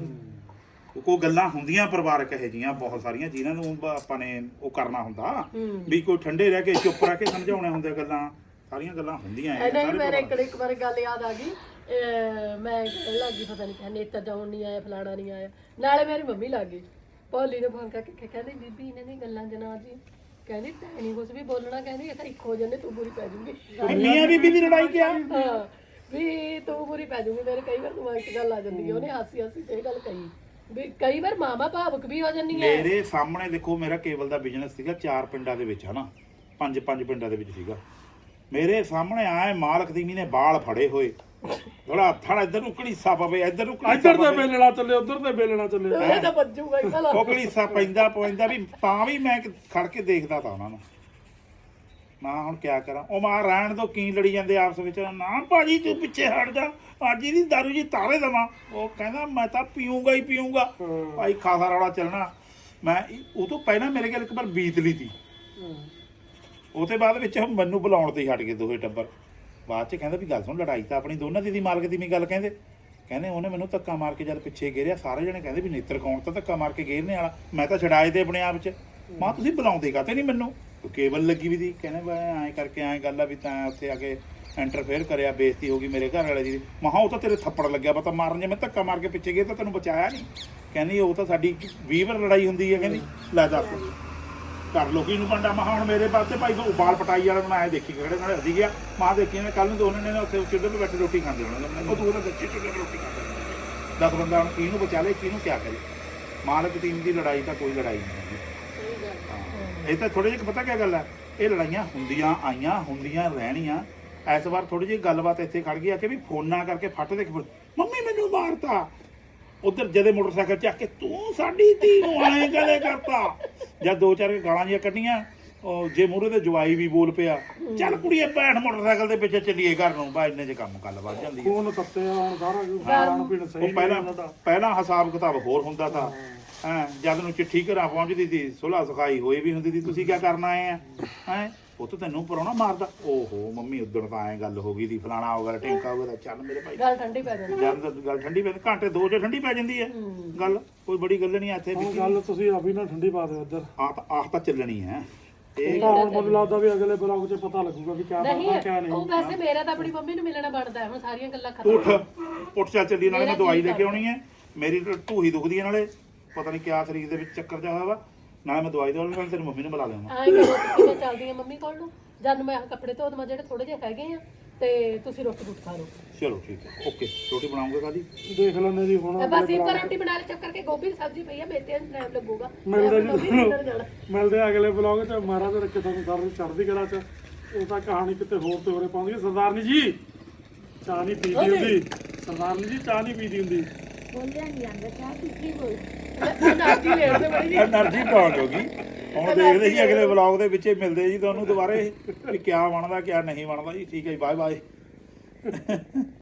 [SPEAKER 4] ਕੋਈ ਗੱਲਾਂ ਹੁੰਦੀਆਂ ਪਰਿਵਾਰਕ ਇਹੋ ਜਿਹੀਆਂ ਬਹੁਤ ਸਾਰੀਆਂ ਜਿਨ੍ਹਾਂ ਨੂੰ ਆਪਾਂ ਨੇ ਉਹ ਕਰਨਾ ਹੁੰਦਾ ਵੀ ਕੋਈ ਠੰਡੇ ਰਹਿ ਕੇ ਚੁੱਪ ਰਹਿ ਕੇ ਸਮਝਾਉਣੇ ਹੁੰਦੇ। ਗੱਲਾਂ ਸਾਰੀਆਂ ਗੱਲਾਂ ਹੁੰਦੀਆਂ
[SPEAKER 3] ਨਹੀਂ ਮੇਰੇ ਇੱਕ ਵਾਰ ਗੱਲ ਯਾਦ ਆ ਗਈ। ਮੈਂ ਕਹਿਣ ਲੱਗੀ ਪਤਾ ਨਹੀਂ ਕਹਿੰਦੇ ਨੇਤਰ ਜਾਉਣ ਨਹੀਂ ਆਇਆ, ਫਲਾਣਾ ਨਹੀਂ ਆਇਆ। ਨਾਲੇ ਮੇਰੀ ਮੰਮੀ ਲੱਗ ਗਈ ਭੋਲੀ ਨੇ ਫੋਨ ਕਰਕੇ ਕਹਿੰਦੀ ਬੀਬੀ ਇਹਨਾਂ ਦੀਆਂ ਗੱਲਾਂ ਜਨਾ ਜੀ, ਕਹਿੰਦੀ ਤੈਂ ਨਹੀਂ ਕੁਛ ਵੀ ਬੋਲਣਾ, ਕਹਿੰਦੀ ਇਹ ਤਾਂ ਇੱਕ ਹੋ ਜਾਂਦੇ ਤੂੰ ਬੁਰੀ ਪੈ ਜੂਗੀ।
[SPEAKER 4] ਮੀਆਂ ਬੀਬੀ ਦੀ ਲੜਾਈ ਕਿਆ?
[SPEAKER 3] ਹਾਂ ਵੀ ਤੂੰ ਬੁਰੀ ਪੈ ਜੂਗੀ। ਮੇਰੇ ਕਈ ਵਾਰ ਦਿਮਾਗ 'ਚ ਗੱਲ ਆ ਜਾਂਦੀ ਹੈ। ਉਹਨੇ ਹਾਸੀ ਹਾਸੀ ਤੇ ਇਹ ਗੱਲ ਕਹੀ ਵੀ ਕਈ ਵਾਰ ਮਾਮਾ ਭਾਵੁਕ ਵੀ ਹੋ ਜਾਂਦੀ ਹੈ।
[SPEAKER 4] ਮੇਰੇ ਸਾਹਮਣੇ ਦੇਖੋ ਮੇਰਾ ਕੇਬਲ ਦਾ ਬਿਜ਼ਨਸ ਸੀਗਾ 4 ਪਿੰਡਾਂ ਦੇ ਵਿੱਚ ਹਨਾ, 5 ਪਿੰਡਾਂ ਦੇ ਵਿੱਚ ਸੀਗਾ। ਮੇਰੇ ਸਾਹਮਣੇ ਆਏ ਮਾਲਕ ਦੀ ਨੇ ਬਾਲ ਫੜੇ ਹੋਏ, ਥੋੜਾ ਥੜਾ ਇੱਧਰ ਨੂੰ ਘੜੀਸਾ ਪਵੇ, ਇੱਧਰ ਨੂੰ
[SPEAKER 1] ਇੱਧਰ ਤੇ ਬੇਲਣਾ ਚੱਲੇ, ਉੱਧਰ ਤੇ ਬੇਲਣਾ ਚੱਲੇ।
[SPEAKER 3] ਇਹ ਤਾਂ ਵੱਜੂਗਾ ਹੀ ਭਲਾ।
[SPEAKER 4] ਉਹ ਘੜੀਸਾ ਪੈਂਦਾ ਵੀ ਤਾਂ ਵੀ ਮੈਂ ਖੜ ਕੇ ਦੇਖਦਾ ਤਾਂ ਉਹਨਾਂ ਨੂੰ। ਮੈਂ ਹੁਣ ਕਿਆ ਕਰਾਂ? ਉਹ ਮਾਂ ਰਹਿਣ ਦੋ, ਕੀ ਲੜੀ ਜਾਂਦੇ ਆਪਸ ਵਿੱਚ। ਨਾ ਭਾਜੀ ਤੂੰ ਪਿੱਛੇ ਹਟ ਜਾ, ਅੱਜ ਇਹਦੀ ਦਾਰੂ ਜੀ ਤਾਰੇ ਦੇਵਾਂ। ਉਹ ਕਹਿੰਦਾ ਮੈਂ ਤਾਂ ਪੀਊਂਗਾ ਹੀ ਪੀਊਂਗਾ। ਭਾਈ ਖਾਸਾ ਰੌਲਾ ਚੱਲਣਾ। ਮੈਂ ਉਹ ਤੋਂ ਪਹਿਲਾਂ ਮੇਰੇ ਕੋਲ ਇੱਕ ਵਾਰ ਬੀਤ ਲਈ ਤੀ। ਉਹ ਤੋਂ ਬਾਅਦ ਵਿੱਚ ਮੈਨੂੰ ਬੁਲਾਉਣ ਤੇ ਹਟ ਗਏ ਦੋਹੇ ਟੱਬਰ। ਬਾਅਦ 'ਚ ਕਹਿੰਦਾ ਵੀ ਗੱਲ ਸੁਣ, ਲੜਾਈ ਤਾਂ ਆਪਣੀ ਦੋਨਾਂ ਦੀ ਮਾਲਕ ਦੀ ਨਹੀਂ ਗੱਲ। ਕਹਿੰਦੇ ਉਹਨੇ ਮੈਨੂੰ ਧੱਕਾ ਮਾਰ ਕੇ ਜਦ ਪਿੱਛੇ ਗੇਰਿਆ, ਸਾਰੇ ਜਣੇ ਕਹਿੰਦੇ ਵੀ ਨੇਤਰ ਕੌਣ ਤਾਂ ਧੱਕਾ ਮਾਰ ਕੇ ਗੇਰਨੇ ਵਾਲਾ। ਮੈਂ ਤਾਂ ਛਡਾਏ ਤੇ ਆਪਣੇ ਆਪ 'ਚ। ਮਾਂ ਤੁਸੀਂ ਬੁਲਾਉਂਦੇ ਕਾਤੇ ਨਹੀਂ ਮੈਨੂੰ? ਕੇਬਲ ਲੱਗੀ ਵੀ ਦੀ। ਕਹਿੰਦੇ ਐਂ ਕਰਕੇ ਐਂ ਗੱਲ ਆ ਵੀ ਤਾਂ ਉੱਥੇ ਆ ਕੇ ਇੰਟਰਫੇਅਰ ਕਰਿਆ, ਬੇਇੱਜ਼ਤੀ ਹੋ ਗਈ ਮੇਰੇ ਘਰ ਵਾਲੇ ਦੀ। ਮਹਾ ਉਹ ਤਾਂ ਤੇਰੇ ਥੱਪੜ ਲੱਗਿਆ ਪਤਾ ਮਾਰਨ, ਜੇ ਮੈਂ ਧੱਕਾ ਮਾਰ ਕੇ ਪਿੱਛੇ ਗਿਆ ਤਾਂ ਤੈਨੂੰ ਬਚਾਇਆ ਨਹੀਂ। ਕਹਿੰਦੀ ਉਹ ਤਾਂ ਸਾਡੀ 20 ਵਾਰ ਲੜਾਈ ਹੁੰਦੀ ਹੈ। ਕਹਿੰਦੀ ਲੈ ਦੱਸ ਕਰ ਲੋ ਕੀ ਨੂੰ ਪੰਡਾ। ਮਹਾ ਹੁਣ ਮੇਰੇ ਪਾਸੇ ਭਾਈ ਬਾਲ ਪਟਾਈ ਵਾਲਾ ਬਣਾਇਆ, ਦੇਖੀ ਕਿਹੜੇ ਨਾਲ ਹੱਦੀ ਗਿਆ। ਮਾਂ ਦੇਖੀ ਨੇ ਕੱਲ ਨੂੰ ਦੋਨਾਂ ਨੇ ਉੱਥੇ ਚੁੱਲ੍ਹੇ 'ਤੇ ਬੈਠੇ ਰੋਟੀ ਖਾਂਦੇ ਹੋਣਾ। ਉਹ ਤੂੰ ਉਹਦਾ ਸੱਚੀ ਚੁੱਲ੍ਹੇ 'ਤੇ ਰੋਟੀ ਖਾਂਦਾ। 10 ਬੰਦਾ ਹੁਣ ਕਿਹਨੂੰ ਬਚਾ ਲੇ, ਕਿਹਨੂੰ ਕਿਆ ਕਰੇ? ਮਾਲਕ ਟੀਮ ਦੀ ਲੜਾਈ ਤਾਂ ਕੋਈ ਲੜਾਈ ਨਹੀਂ ਹੈਗੀ। ਇਹ ਤਾਂ ਥੋੜੇ ਜਿਹੇ ਪਤਾ ਕਿਆ ਗੱਲ ਹੈ, ਇਹ ਲੜਾਈਆਂ ਹੁੰਦੀਆਂ ਆਈਆਂ, ਹੁੰਦੀਆਂ ਰਹਿਣੀਆਂ। ਇਸ ਵਾਰ ਥੋੜੀ ਜਿਹੀ ਗੱਲਬਾਤ ਇੱਥੇ ਖੜ ਗਈ ਆ ਕਿ ਵੀ ਫੋਨਾਂ ਕਰਕੇ ਫੱਟ ਦੇ ਮੰਮੀ ਮੈਨੂੰ ਮਾਰਤਾ। ਉਧਰ ਜਦੇ ਮੋਟਰਸਾਈਕਲ ਚੱਕ ਕੇ ਤੂੰ ਸਾਡੀ ਧੀ ਨੂੰ ਆਏ ਕਦੇ ਕਰਤਾ। ਜਦ 2-4 ਗਾਲਾਂ ਜਿਹੀਆਂ ਕੱਢੀਆਂ, ਉਹ ਜੇ ਮੂਹਰੇ ਤੇ ਜਵਾਈ ਵੀ ਬੋਲ ਪਿਆ, ਚੱਲ ਕੁੜੀਏ ਬੈਠ ਮੋਟਰਸਾਈਕਲ ਦੇ ਪਿੱਛੇ ਚੱਲੀਏ ਘਰ ਨੂੰ। ਬਾ ਇੰਨੇ 'ਚ ਕੰਮ ਗੱਲ ਵੱਧ ਜਾਂਦੀ ਹੈ।
[SPEAKER 1] ਫੋਨ ਤੱਤੇ ਹੁਣ ਸਾਰਾ ਖਾਣ ਪੀਣ ਸਹੀ ਨਹੀਂ।
[SPEAKER 4] ਪਹਿਲਾਂ ਹਿਸਾਬ ਕਿਤਾਬ ਹੋਰ ਹੁੰਦਾ ਤਾਂ ਹੈਂ। ਜਦ ਨੂੰ ਚਿੱਠੀ ਘਰਾਂ ਪਹੁੰਚਦੀ ਸੀ, ਸੁਲ੍ਹਾ ਸਖਾਈ ਹੋਈ ਵੀ ਹੁੰਦੀ ਸੀ। ਤੁਸੀਂ ਕੀ ਕਰਨ ਆਏ ਆ ਹੈਂ? ਉਹ ਤਾਂ ਤੈਨੂੰ ਪ੍ਰਾਹੁਣਾ ਮਾਰਦਾ। ਓਹੋ ਮੰਮੀ ਉਦਣ ਤਾਂ ਐਂ ਗੱਲ ਹੋ ਗਈ ਸੀ, ਫਲਾਣਾ ਹੋ ਗਿਆ, ਟਿੰਕਾ ਹੋ ਗਿਆ। ਚੱਲ ਮੇਰੇ ਭਾਈ
[SPEAKER 3] ਗੱਲ ਠੰਡੀ ਪੈ ਜਾਂਦੀ।
[SPEAKER 4] ਗੱਲ ਠੰਡੀ ਪੈ ਘੰਟੇ 2 'ਚ ਠੰਡੀ ਪੈ ਜਾਂਦੀ ਹੈ ਗੱਲ। ਕੋਈ ਬੜੀ ਗੱਲ ਨਹੀਂ ਇੱਥੇ।
[SPEAKER 1] ਗੱਲ ਤੁਸੀਂ ਅਭੀ ਨਾ ਠੰਡੀ ਪਾ ਦਿਓ ਇੱਧਰ।
[SPEAKER 4] ਆਹ ਤਾਂ ਚੱਲਣੀ ਹੈ।
[SPEAKER 1] ਇਹ ਤਾਂ ਹੁਣ ਮੈਨੂੰ ਲੱਗਦਾ ਵੀ ਅਗਲੇ ਬਲੌਗ 'ਚ ਪਤਾ ਲੱਗੂਗਾ ਵੀ ਕਿਆ ਬਣਦਾ ਕਿਆ ਨਹੀਂ।
[SPEAKER 3] ਉਹ ਵੈਸੇ ਮੇਰਾ ਤਾਂ ਆਪਣੀ ਮੰਮੀ ਨੂੰ ਮਿਲਣਾ ਬਣਦਾ ਹੈ। ਹੁਣ ਸਾਰੀਆਂ ਗੱਲਾਂ ਖਤਮ।
[SPEAKER 4] ਉੱਠ ਚੱਲ ਚੱਲੀ। ਨਾਲੇ ਮੈਂ ਦਵਾਈ ਲੈ ਕੇ ਆਉਣੀ ਹੈ। ਮੇਰੀ ਢੂਹੀ ਦੁਖਦੀ ਹੈ, ਨਾਲੇ ਪਤਾ ਨਹੀਂ ਕਿਆ ਸਰੀਰ ਦੇ ਵਿੱਚ ਚੱਕਰ ਜਾ ਹੋਇਆ ਵਾ। ਨਾਲੇ ਮੈਂ ਦਵਾਈ ਦਵਾਉਣੀ, ਨਾਲੇ ਤੇਰੀ ਮੰਮੀ ਨੂੰ ਬੁਲਾ ਲਿਆਵਾਂ।
[SPEAKER 3] ਆਏ ਕਰੋ ਤੁਸੀਂ, ਮੈਂ ਚੱਲਦੀ ਆ ਮੰਮੀ ਕੋਲ ਨੂੰ। ਜਦ ਮੈਂ ਕੱਪੜੇ ਧੋ ਦਵਾਂ ਜਿਹੜੇ ਥੋੜੇ ਜਿਹੇ ਹੈਗੇ ਆ, ਤੇ ਤੁਸੀਂ ਰੋਟੀ ਖਾ ਲਓ।
[SPEAKER 4] ਚਲੋ ਠੀਕ ਹੈ, ਓਕੇ। ਰੋਟੀ ਬਣਾਉਂਗੇ ਕਾਹਦੀ?
[SPEAKER 1] ਦੇਖ ਲੈਂਦੇ ਜੀ ਹੁਣ।
[SPEAKER 3] ਬਸ ਇੱਕ ਰੋਟੀ ਬਣਾ ਲੈ, ਚੱਕ ਕਰਕੇ ਗੋਭੀ ਦੀ ਸਬਜ਼ੀ ਪਈ ਆ, ਮੇਥਿਆਂ ਨੂੰ ਟਾਈਮ ਲੱਗੂਗਾ।
[SPEAKER 1] ਮਿਲਦੇ ਅਗਲੇ ਬਲੌਗ 'ਚ। ਮਹਾਰਾਜ ਰੱਖੇ ਤੁਹਾਨੂੰ ਸਾਰਿਆਂ ਚੜ੍ਹਦੀ ਕਲਾ 'ਚ। ਉਹ ਤਾਂ ਕਹਾਣੀ ਕਿਤੇ ਹੋਰ ਤੇ ਹੋਰੇ ਪਾਉਂਦੀ। ਸਰਦਾਰਨੀ ਜੀ ਚਾਹ ਨਹੀਂ ਪੀਦੀ ਹੁੰਦੀ। ਸਰਦਾਰਨੀ ਜੀ ਚਾਹ ਨਹੀਂ ਪੀਦੀ ਹੁੰਦੀ।
[SPEAKER 2] ਬੋਲਿਆ ਨਹੀਂ ਜਾਂਦਾ ਚਾਹ ਪੀ ਕੇ ਬੋਲ।
[SPEAKER 3] ਐਨਰਜੀ ਲੈਣ ਤੇ ਬੜੀ
[SPEAKER 4] એનર્ਜੀ ਡਾਊਨ ਹੋ ਗਈ। ਹੁਣ ਦੇਖਦੇ ਜੀ ਅਗਲੇ ਵਲੌਗ ਦੇ ਵਿੱਚ ਮਿਲਦੇ ਜੀ ਤੁਹਾਨੂੰ ਦੁਬਾਰੇ ਵੀ ਕਿਆ ਬਣਦਾ ਕਿਆ ਨਹੀਂ ਬਣਦਾ ਜੀ। ਠੀਕ ਹੈ ਜੀ, ਬਾਏ ਬਾਏ।